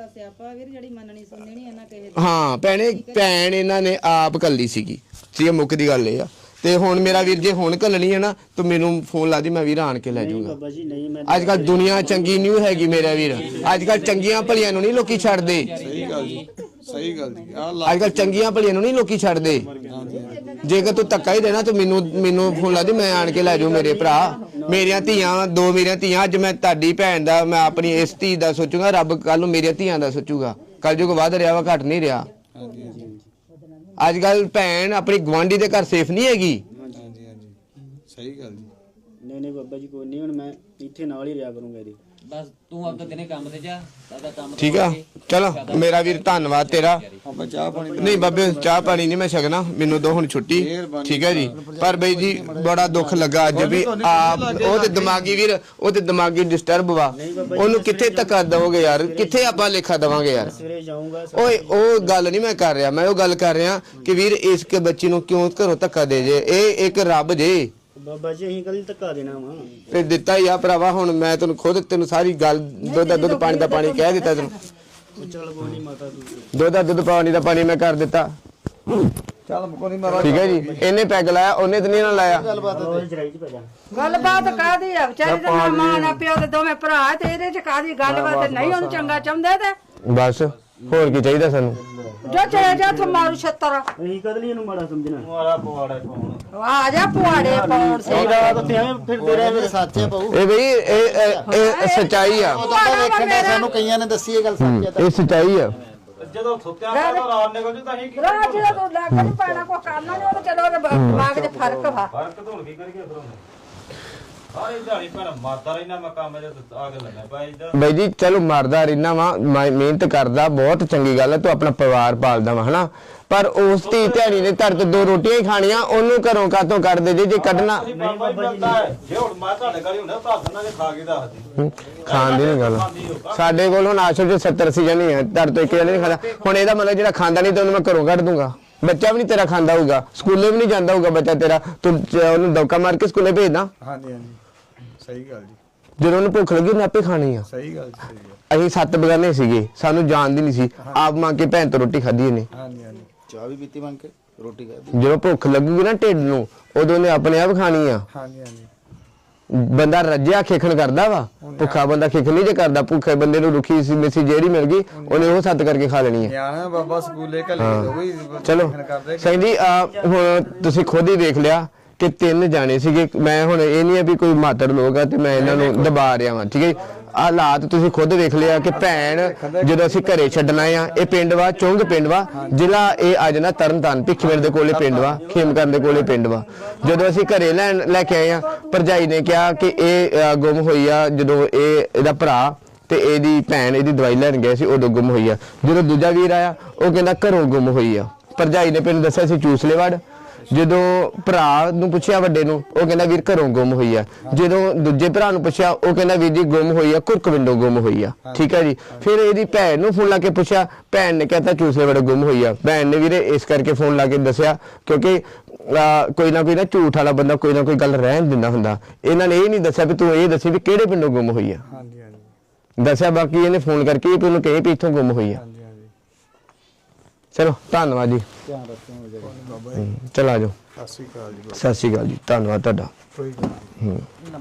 ਹਾਂ ਭੈਣੇ, ਭੈਣ ਇਹਨਾਂ ਨੇ ਆਪ ਕੱਲੀ ਸੀਗੀ, ਠੀਕ ਹੈ, ਮੁੱਕ ਦੀ ਗੱਲ ਇਹ ਆ। ਤੇ ਹੁਣ ਮੇਰਾ ਵੀਰ ਜੇ ਹੁਣ ਘੱਲਣੀ ਹੈ ਨਾ ਤੂੰ ਮੈਨੂੰ ਫੋਨ ਲਾ ਦੀ, ਮੈਂ ਵੀਰ ਆਣ ਕੇ ਲੈ ਜਾਊਂਗਾ। ਬਾਬਾ ਜੀ ਨਹੀਂ, ਮੈਂ ਅੱਜ ਕੱਲ ਦੁਨੀਆ ਚੰਗੀ ਨਹੀਂ ਹੈਗੀ ਮੇਰਾ ਵੀਰ, ਅੱਜ ਕੱਲ ਚੰਗੀਆਂ ਭਲੀਆਂ ਨੂੰ ਨਹੀਂ ਲੋਕੀ ਛੱਡਦੇ। ਸਹੀ ਗੱਲ ਜੀ, ਸਹੀ ਗੱਲ ਜੀ। ਅੱਜ ਕੱਲ ਚੰਗੀਆਂ ਭਲੀਆਂ ਨੂੰ ਨਹੀਂ ਲੋਕੀ ਛੱਡਦੇ। ਜੇਕਰ ਤੂੰ ਧੱਕਾ ਹੀ ਦੇਣਾ ਤੂੰ ਮੈਨੂੰ ਫੋਨ ਲਾ ਦੀ, ਮੈਂ ਆਣ ਕੇ ਲੈ ਜਾਊ। ਮੇਰੇ ਭਰਾ, ਮੇਰੀਆਂ ਧੀਆਂ, 2 ਮੇਰੀਆਂ ਧੀਆਂ, ਅੱਜ ਮੈਂ ਤੁਹਾਡੀ ਭੈਣ ਦਾ, ਮੈਂ ਆਪਣੀ ਇਸ ਧੀ ਦਾ ਸੋਚੂਗਾ, ਰੱਬ ਕੱਲ ਨੂੰ ਮੇਰੀਆਂ ਧੀਆਂ ਦਾ ਸੋਚੂਗਾ। ਕੱਲ ਜੋ ਵੱਧ ਰਿਹਾ ਵਾ, ਘਟ ਨਹੀਂ ਰਿਹਾ। ਅੱਜ ਕੱਲ ਭੈਣ ਆਪਣੀ ਗਵਾਂਢੀ ਦੇ ਘਰ ਸੇਫ ਨਹੀਂ ਹੈਗੀ। ਹਾਂਜੀ ਹਾਂਜੀ ਸਹੀ ਗੱਲ ਜੀ। ਨਹੀਂ ਬਾਬਾ ਜੀ ਕੋਈ ਨਹੀਂ, ਹੁਣ ਮੈਂ ਇੱਥੇ ਨਾਲ ਹੀ ਰਿਹਾ ਕਰੂੰਗਾ ਇਹਦੇ। ਬਸ ਤੂੰ ਆਪਦਾ ਦਿਨੇ ਕੰਮ ਤੇ ਜਾ, ਦਾਦਾ ਕੰਮ ਠੀਕ ਆ, ਚਲੋ ਮੇਰਾ ਵੀਰ ਧੰਨਵਾਦ ਤੇਰਾ। ਆਪਾਂ ਚਾਹ ਪਾਣੀ ਨਹੀਂ ਬਾਬੇ, ਚਾਹ ਪਾਣੀ ਨਹੀਂ ਮੈਂ ਛਕਣਾ, ਮੈਨੂੰ ਦੋ ਹੁਣ ਛੁੱਟੀ। ਠੀਕ ਹੈ ਜੀ। ਪਰ ਬਈ ਜੀ ਬੜਾ ਦੁੱਖ ਲੱਗਾ ਅੱਜ ਵੀ ਆਪ ਉਹ ਤੇ ਦਿਮਾਗੀ ਵੀਰ, ਉਹ ਤੇ ਦਿਮਾਗੀ ਡਿਸਟਰਬ ਵਾ, ਉਹਨੂੰ ਕਿੱਥੇ ਧੱਕਾ ਦਵੋਗੇ ਯਾਰ, ਕਿੱਥੇ ਆਪਾਂ ਲੇਖਾ ਦਵਾਂਗੇ ਯਾਰ। ਸਵੇਰੇ ਜਾਊਂਗਾ। ਓਏ ਉਹ ਗੱਲ ਨਹੀਂ ਮੈਂ ਕਰ ਰਿਹਾ, ਮੈਂ ਉਹ ਗੱਲ ਕਰ ਰਿਹਾ ਕਿ ਵੀਰ ਇਸ ਕੇ ਬੱਚੀ ਨੂੰ ਕਿਉਂ ਘਰੋਂ ਧੱਕਾ ਦੇ ਜੇ, ਇਹ ਇੱਕ ਰੱਬ ਜੇ। ਬਾਬਾ ਜੀ ਅਸੀਂ ਕੱਲ ਧੱਕਾ ਦੇਣਾ ਵਾ, ਤੇ ਦਿੱਤਾ ਹੀ ਆ ਭਰਾਵਾ। ਹੁਣ ਮੈਂ ਤੈਨੂੰ ਖੁਦ ਤੈਨੂੰ ਸਾਰੀ ਗੱਲ ਦੁੱਧ ਦਾ ਦੁੱਧ ਪਾਣੀ ਦਾ ਪਾਣੀ ਕਹਿ ਦਿੱਤਾ ਤੈਨੂੰ। ਚੱਲ ਕੋਈ ਨਹੀਂ ਮਾਤਾ ਤੂੰ ਦੁੱਧ ਦਾ ਦੁੱਧ ਪਾਣੀ ਦਾ ਪਾਣੀ ਮੈਂ ਕਰ ਦਿੱਤਾ। ਚੱਲ ਕੋਈ ਨਹੀਂ। ਠੀਕ ਹੈ ਜੀ। ਇਹਨੇ ਪੈਗ ਲਾਇਆ, ਉਹਨੇ ਤਾਂ ਨਹੀਂ ਨਾ ਲਾਇਆ। ਗੱਲਬਾਤ ਕਾਦੀ ਆ? ਵਿਚਾਰੀ ਦਾ ਮਾਂ ਨਾ ਪਿਓ ਤੇ ਦੋਵੇਂ ਭਰਾ, ਤੇ ਇਹਦੇ ਚ ਕਾਦੀ ਗੱਲਬਾਤ? ਨਹੀਂ ਉਹਨੂੰ ਚੰਗਾ ਚਾਹੁੰਦੇ ਤੇ ਬਸ ਹੋਰ ਕੀ ਚਾਹੀਦਾ ਸਾਨੂੰ? ਜੋ ਚਲੇ ਜਾ ਤੂੰ ਮਾਰੂ ਛੱਤਰ, ਅਸੀਂ ਕਦ ਲਈ ਇਹਨੂੰ ਮਾੜਾ ਸਮਝਣਾ? ਆ ਜਾ ਪੁਆੜੇ ਪਾਉਣ ਸੇ ਰਾਤ ਤੇ ਐਵੇਂ ਫਿਰਦੇ ਰਹੇ ਮੇਰੇ ਸਾਥੀ ਪਾਉ। ਇਹ ਬਈ ਇਹ ਸੱਚਾਈ ਆ। ਸਾਨੂੰ ਕਈਆਂ ਨੇ ਦੱਸੀ ਇਹ ਗੱਲ ਸੱਚ ਹੈ। ਇਹ ਸੱਚਾਈ ਆ। ਜਦੋਂ ਸੁੱਤਿਆ ਤਾਂ ਰਾਤ ਨਿਕਲ ਜੂ ਤਾਂ ਅਸੀਂ ਕੀ ਰਾਜ ਜਿਹੜਾ ਤੂੰ ਲੱਗ ਨਹੀਂ ਪੈਣਾ ਕੋ ਕਰਨਾ ਨਹੀਂ, ਉਹ ਚਲੋ ਦਿਮਾਗ 'ਚ ਫਰਕ ਵਾ। ਫਰਕ ਧੋਣ ਕੀ ਕਰੀਏ ਫਿਰ ਉਹਨੇ ਸਾਰੀ ਦਿਹਾੜੀ ਪਰ ਮਾਰਦਾ ਰਹਿਣਾ ਮੈਂ ਕੰਮ ਜੇ ਆ ਕੇ ਲੱਗਾ ਭਾਈ ਇੱਧਰ। ਬਈ ਜੀ ਚਲੋ ਮਰਦਾ ਰਹਿਣਾ ਵਾ, ਮਿਹਨਤ ਕਰਦਾ, ਬਹੁਤ ਚੰਗੀ ਗੱਲ ਹੈ, ਤੂੰ ਆਪਣਾ ਪਰਿਵਾਰ ਪਾਲਦਾ ਵਾ ਹਨਾ। ਪਰ ਉਸ ਧੀ ਧਿਆਣੀ ਨੇ ਧਰ ਤੇ 2 ਰੋਟੀਆਂ ਹੀ ਖਾਣੀਆਂ, ਉਹਨੂੰ ਘਰੋਂ ਕਾਤੋਂ ਕੱਢ ਦੇ ਜੇ ਕੱਢਣਾ। ਜੇ ਹੁਣ ਮੈਂ ਤੁਹਾਡੇ ਘਰ ਹੀ ਹੁੰਦਾ ਤਾਂ ਦੱਸਣਾ ਜੇ ਖਾ ਕੇ ਦੱਸਦੀ। ਖਾਣ ਦੀ ਨਹੀਂ ਗੱਲ, ਸਾਡੇ ਕੋਲ ਹੁਣ ਆਸ਼ਰ 'ਚ 70-80 ਜਣੇ ਆ, ਧਰ ਤੋਂ ਇੱਕ ਜਣੇ ਨਹੀਂ ਖਾਂਦਾ। ਹੁਣ ਇਹਦਾ ਮਤਲਬ ਜਿਹੜਾ ਖਾਂਦਾ ਨਹੀਂ ਤੇ ਉਹਨੂੰ ਮੈਂ ਘਰੋਂ ਕੱਢ ਦੂੰਗਾ। ਬੱਚਾ ਵੀ ਨਹੀਂ ਤੇਰਾ ਖਾਂਦਾ ਹੋਊਗਾ, ਸਕੂਲੇ ਵੀ ਨਹੀਂ ਜਾਂਦਾ ਹੋਊਗਾ ਬੱਚਾ ਤੇਰਾ, ਤੂੰ ਉਹਨੂੰ ਦੌਕਾ ਮਾਰ ਕੇ ਸਕੂਲੇ ਭੇਜਦਾ। ਹਾਂਜੀ ਹਾਂਜੀ ਸਹੀ ਗੱਲ ਜੀ, ਜਦੋਂ ਉਹਨੂੰ ਭੁੱਖ ਲੱਗੀ ਉਹਨੇ ਆਪੇ ਖਾਣੀ ਆ। ਸਹੀ ਗੱਲ ਸਹੀ ਗੱਲ। ਅਸੀਂ 7 ਬਗਾਨੇ ਸੀਗੇ, ਸਾਨੂੰ ਜਾਣਦੀ ਨਹੀਂ ਸੀ, ਆਪ ਮੰਗ ਕੇ ਭੈਣ ਤੋਂ ਰੋਟੀ ਖਾਧੀ ਇਹਨੇ। ਹਾਂਜੀ ਹਾਂਜੀ ਚਾਹ ਵੀ ਪੀਤੀ ਮੰਗ ਕੇ, ਰੋਟੀ ਖਾਧੀ। ਜਦੋਂ ਭੁੱਖ ਲੱਗੂਗੀ ਨਾ ਢਿੱਡ ਨੂੰ, ਉਦੋਂ ਉਹਨੇ ਆਪਣੇ ਆਪ ਖਾਣੀ ਆ। ਹਾਂਜੀ ਹਾਂਜੀ ਬੰਦਾ ਰੱਜਿਆ ਖੇਖਣ ਕਰਦਾ ਵਾ, ਭੁੱਖਾ ਬੰਦਾ ਖੇਖਣ ਨਹੀਂ ਜੇ ਕਰਦਾ। ਭੁੱਖੇ ਬੰਦੇ ਨੂੰ ਰੁੱਖੀ ਸੀ ਮਿੱਸੀ ਜਿਹੜੀ ਮਿਲ ਗਈ ਉਹਨੇ ਉਹ ਸੱਤ ਕਰਕੇ ਖਾ ਲੈਣੀ ਹੈ। ਨਿਆਣਾ ਬਾਬਾ ਸਕੂਲੇ ਘੱਲੇ ਕੋਈ ਚਲੋ ਸਿੰਘ ਜੀ ਹੁਣ ਤੁਸੀਂ ਖੁਦ ਹੀ ਦੇਖ ਲਿਆ ਕਿ 3 ਜਾਣੇ ਸੀਗੇ। ਮੈਂ ਹੁਣ ਇਹ ਨਹੀਂ ਹੈ ਵੀ ਕੋਈ ਮਾਤੜ ਲੋਕ ਆ ਤੇ ਮੈਂ ਇਹਨਾਂ ਨੂੰ ਦਬਾ ਰਿਹਾ ਵਾਂ, ਠੀਕ ਹੈ। ਹਾਲਾਤ ਤੁਸੀਂ ਖੁਦ ਵੇਖ ਲਿਆ ਕਿ ਭੈਣ ਜਦੋਂ ਅਸੀਂ ਘਰੇ ਛੱਡਣਾ ਆ, ਇਹ ਪਿੰਡ ਵਾ ਚੁੰਗ ਪਿੰਡ ਵਾ, ਜ਼ਿਲ੍ਹਾ ਇਹ ਅੱਜ ਨਾ ਤਰਨਤਾਰਨ ਭਿੱਖੀਵਿੰਡ ਦੇ ਕੋਲੇ ਪਿੰਡ ਵਾ, ਖੇਮਕਰਨ ਦੇ ਕੋਲੇ ਪਿੰਡ ਵਾ। ਜਦੋਂ ਅਸੀਂ ਘਰੇ ਲੈ ਕੇ ਆਏ ਆ, ਭਰਜਾਈ ਨੇ ਕਿਹਾ ਕਿ ਇਹ ਗੁੰਮ ਹੋਈ ਆ ਜਦੋਂ ਇਹਦਾ ਭਰਾ ਤੇ ਇਹਦੀ ਭੈਣ ਇਹਦੀ ਦਵਾਈ ਲੈਣ ਗਏ ਸੀ ਉਦੋਂ ਗੁੰਮ ਹੋਈ ਆ। ਜਦੋਂ ਦੂਜਾ ਵੀਰ ਆਇਆ ਉਹ ਕਹਿੰਦਾ ਘਰੋਂ ਗੁੰਮ ਹੋਈ ਆ। ਭਰਜਾਈ ਨੇ ਪਿੰਡ ਦੱਸਿਆ ਸੀ ਚੂਸਲੇਵੜ। ਜਦੋਂ ਭਰਾ ਨੂੰ ਪੁੱਛਿਆ ਵੱਡੇ ਨੂੰ, ਉਹ ਕਹਿੰਦਾ ਵੀਰ ਘਰੋਂ ਗੁੰਮ ਹੋਈ ਆ। ਜਦੋਂ ਦੂਜੇ ਭਰਾ ਨੂੰ ਪੁੱਛਿਆ, ਉਹ ਕਹਿੰਦਾ ਵੀਰ ਜੀ ਗੁੰਮ ਹੋਈ ਆ, ਕੁਰਕਵਿੰਡੋਂ ਗੁੰਮ ਹੋਈ ਆ, ਠੀਕ ਹੈ ਜੀ। ਫਿਰ ਇਹਦੀ ਭੈਣ ਨੂੰ ਫੋਨ ਲਾ ਕੇ ਪੁੱਛਿਆ, ਭੈਣ ਨੇ ਕਹਿਤਾ ਚੂਸਲੇਵੜ ਗੁੰਮ ਹੋਈ ਆ। ਭੈਣ ਨੇ ਵੀਰੇ ਇਸ ਕਰਕੇ ਫੋਨ ਲਾ ਕੇ ਦੱਸਿਆ ਕਿਉਂਕਿ ਕੋਈ ਨਾ ਝੂਠ ਵਾਲਾ ਬੰਦਾ ਕੋਈ ਨਾ ਕੋਈ ਗੱਲ ਰਹਿਣ ਦਿੰਦਾ ਹੁੰਦਾ। ਇਹਨਾਂ ਨੇ ਇਹ ਨਹੀਂ ਦੱਸਿਆ ਵੀ ਤੂੰ ਇਹ ਦੱਸੀ ਵੀ ਕਿਹੜੇ ਪਿੰਡੋਂ ਗੁੰਮ ਹੋਈ ਆ। ਹਾਂਜੀ ਹਾਂਜੀ ਦੱਸਿਆ ਬਾਕੀ ਇਹਨੇ ਫੋਨ ਕਰਕੇ ਵੀ ਉਹਨੂੰ ਕਹੇ ਵੀ ਇੱਥੋਂ ਗੁੰਮ ਹੋਈ ਆ। ਹਾਂਜੀ ਹਾਂਜੀ ਚਲੋ ਧੰਨਵਾਦ ਜੀ, ਧਿਆਨ ਰੱਖਿਓ ਬਾਬਾ ਚਲ ਆ ਜਾਓ। ਸਤਿ ਸ਼੍ਰੀ ਅਕਾਲ ਜੀ। ਸਤਿ ਸ਼੍ਰੀ ਅਕਾਲ ਜੀ, ਧੰਨਵਾਦ ਤੁਹਾਡਾ। ਕੋਈ ਗੱਲ ਨਹੀਂ।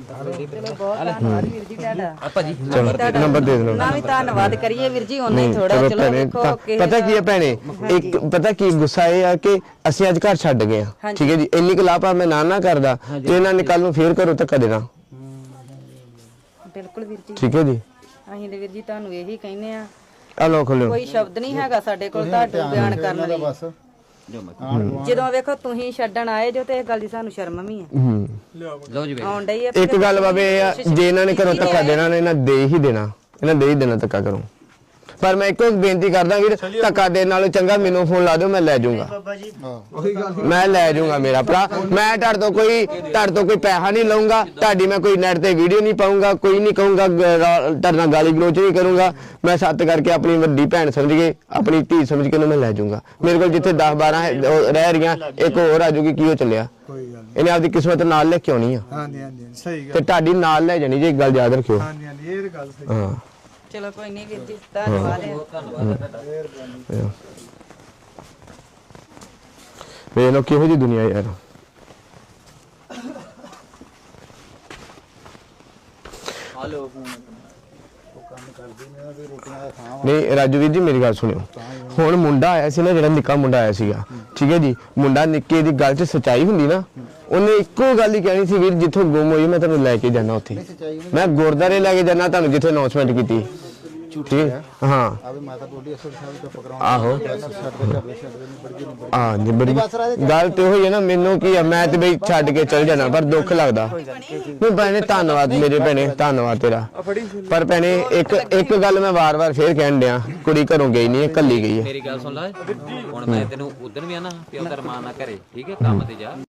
ਆਪਾਂ ਜੀ ਚਲੋ ਨੰਬਰ ਦੇ ਦੇਣਾ। ਨਾ ਵੀ ਧੰਨਵਾਦ ਕਰੀਏ ਵੀਰ ਜੀ, ਉਹਨੇ ਥੋੜਾ ਚਲੋ ਚਲੋ ਭੈਣੇ, ਵੇਖੋ ਪਤਾ ਕੀ ਹੈ ਭੈਣੇ, ਇੱਕ ਪਤਾ ਕੀ ਗੁੱਸਾ ਇਹ ਆ ਕਿ ਅਸੀਂ ਅੱਜ ਘਰ ਛੱਡ ਗਏ ਆ, ਠੀਕ ਹੈ ਜੀ। ਇੰਨੀ ਕੁ ਲਾਪਾ ਮੈਂ ਨਾ ਕਰਦਾ ਤੇ ਇਹਨਾਂ ਨੇ ਕੱਲ ਨੂੰ ਫੇਰ ਘਰੋਂ ਧੱਕਾ ਦੇਣਾ। ਬਿਲਕੁਲ ਵੀਰ ਜੀ, ਠੀਕ ਹੈ ਜੀ। ਅਸੀਂ ਤੇ ਵੀਰ ਜੀ ਤੁਹਾਨੂੰ ਇਹੀ ਕਹਿੰਦੇ ਆ, ਆ ਲੋ ਖੋਲਿਓ। ਕੋਈ ਸ਼ਬਦ ਨਹੀਂ ਹੈਗਾ ਸਾਡੇ ਕੋਲ ਤੁਹਾਡਾ ਬਿਆਨ ਕਰਨ ਲਈ। ਬਸ ਜਦੋਂ ਵੇਖੋ ਤੁਸੀਂ ਛੱਡਣ ਆਏ ਜੋ ਤੇ ਇਹ ਗੱਲ ਦੀ ਸਾਨੂੰ ਸ਼ਰਮ ਵੀ ਆ। ਲਓ ਜੀ ਆਉਣ ਡਈ ਆ ਇੱਕ ਗੱਲ ਬਾਬੇ ਇਹ ਆ, ਜੇ ਇਹਨਾਂ ਨੇ ਘਰੋਂ ਧੱਕਾ ਦੇਣਾ ਨੇ ਇਹਨਾਂ ਦੇ ਹੀ ਦੇਣਾ, ਇਹਨਾਂ ਦੇ ਹੀ ਦੇਣਾ ਧੱਕਾ ਕਰੋ। ਪਰ ਮੈਂ ਇੱਕੋ ਬੇਨਤੀ ਕਰਦਾ ਵੀਰ, ਧੱਕਾ ਦੇਣ ਨਾਲੋਂ ਚੰਗਾ ਮੈਨੂੰ ਫੋਨ ਲਾ ਦਿਓ, ਮੈਂ ਲੈ ਜਾਊਂਗਾ। ਬਾਬਾ ਜੀ ਮੈਂ ਲੈ ਜਾਊਂਗਾ ਮੇਰਾ ਭਰਾ। ਮੈਂ ਤੁਹਾਡੇ ਤੋਂ ਕੋਈ ਪੈਸਾ ਨਹੀਂ ਲਊਂਗਾ, ਤੁਹਾਡੀ ਮੈਂ ਕੋਈ ਨੈਟ ਤੇ ਵੀਡੀਓ ਨਹੀਂ ਪਾਊਂਗਾ, ਕੋਈ ਨਹੀਂ ਕਹੂੰਗਾ, ਤੁਹਾਡੇ ਨਾਲ ਗਾਲੀ ਗਲੋਚ ਨਹੀਂ ਕਰੂੰਗਾ। ਮੈਂ ਸੱਤ ਕਰਕੇ ਆਪਣੀ ਵੱਡੀ ਭੈਣ ਸਮਝ ਕੇ, ਆਪਣੀ ਧੀ ਸਮਝ ਕੇ ਉਹਨੂੰ ਮੈਂ ਲੈ ਜਾਊਂਗਾ। ਮੇਰੇ ਕੋਲ ਜਿੱਥੇ 10-12 ਰਹਿ ਰਹੀਆਂ, ਇੱਕ ਹੋਰ ਆ ਜੂਗੀ। ਕੀ ਉਹ ਚੱਲਿਆ, ਕੋਈ ਗੱਲ ਨਹੀਂ। ਇਹਨੇ ਆਪਦੀ ਕਿਸਮਤ ਨਾਲ ਲੈ ਕੇ ਆਉਣੀ ਆ ਹਾਂਜੀ ਹਾਂਜੀ ਸਹੀ ਤੇ ਗੱਲ। ਤੁਹਾਡੀ ਨਾਲ ਲੈ ਜਾਣੀ ਜੇ, ਇੱਕ ਗੱਲ ਯਾਦ ਰੱਖਿਓ। ਹਾਂਜੀ ਹਾਂਜੀ ਇਹ ਗੱਲ ਸਹੀ। ਹਾਂ ਚਲੋ ਕੋਈ ਨਹੀਂ ਵੀਰ ਜੀ, ਧੰਨਵਾਦ ਵੇਖ ਲਓ ਕਿਹੋ ਜਿਹੀ ਦੁਨੀਆ ਯਾਰ। ਨਹੀਂ ਰਾਜੂ ਵੀਰ ਜੀ ਮੇਰੀ ਗੱਲ ਸੁਣਿਓ। ਹੁਣ ਮੁੰਡਾ ਆਇਆ ਸੀ ਨਾ, ਜਿਹੜਾ ਨਿੱਕਾ ਮੁੰਡਾ ਆਇਆ ਸੀਗਾ, ਠੀਕ ਹੈ ਜੀ। ਮੁੰਡਾ ਨਿੱਕੇ ਦੀ ਗੱਲ 'ਚ ਸੱਚਾਈ ਹੁੰਦੀ ਨਾ, ਉਹਨੇ ਇੱਕੋ ਗੱਲ ਹੀ ਕਹਿਣੀ ਸੀ, ਵੀਰ ਜਿੱਥੋਂ ਗੁੰਮ ਹੋਈ ਮੈਂ ਤੁਹਾਨੂੰ ਲੈ ਕੇ ਜਾਣਾ ਉੱਥੇ। ਮੈਂ ਗੁਰਦਾਰੇ ਲੈ ਕੇ ਜਾਣਾ ਤੁਹਾਨੂੰ, ਜਿੱਥੇ ਅਨਾਉਂਸਮੈਂਟ ਕੀਤੀ। ਠੀਕ ਹਾਂ ਆਵੇ ਮਾਤਾ ਬੋਲੀ ਅਸਲ ਸਾਹਿਬ ਤੋਂ ਪਕੜਾਉਂ। ਆਹੋ ਹਾਂ ਜੀ, ਬੜੀ ਗੱਲ ਤੇ ਹੋਈ ਹੈ ਨਾ। ਮੈਨੂੰ ਕੀ ਆ, ਮੈਂ ਤੇ ਬਈ ਛੱਡ ਕੇ ਚਲ ਜਾਣਾ, ਪਰ ਦੁੱਖ ਲੱਗਦਾ। ਨਹੀਂ ਭੈਣੇ ਧੰਨਵਾਦ ਮੇਰੇ ਭੈਣੇ, ਧੰਨਵਾਦ ਤੇਰਾ। ਪਰ ਭੈਣੇ ਇੱਕ ਗੱਲ ਮੈਂ ਵਾਰ-ਵਾਰ ਫੇਰ ਕਹਿਣ ਡਿਆ, ਕੁੜੀ ਘਰੋਂ ਗਈ ਨਹੀਂ ਹੈ, ਕੱਲੀ ਗਈ ਹੈ। ਮੇਰੀ ਗੱਲ ਸੁਣ ਲੈ, ਹੁਣ ਮੈਂ ਤੈਨੂੰ ਉਦੋਂ ਵੀ ਆਣਾ ਪਿਓ ਦਾ ਰਮਾਨ ਨਾ ਕਰੇ, ਠੀਕ ਹੈ, ਕੰਮ ਤੇ ਜਾ।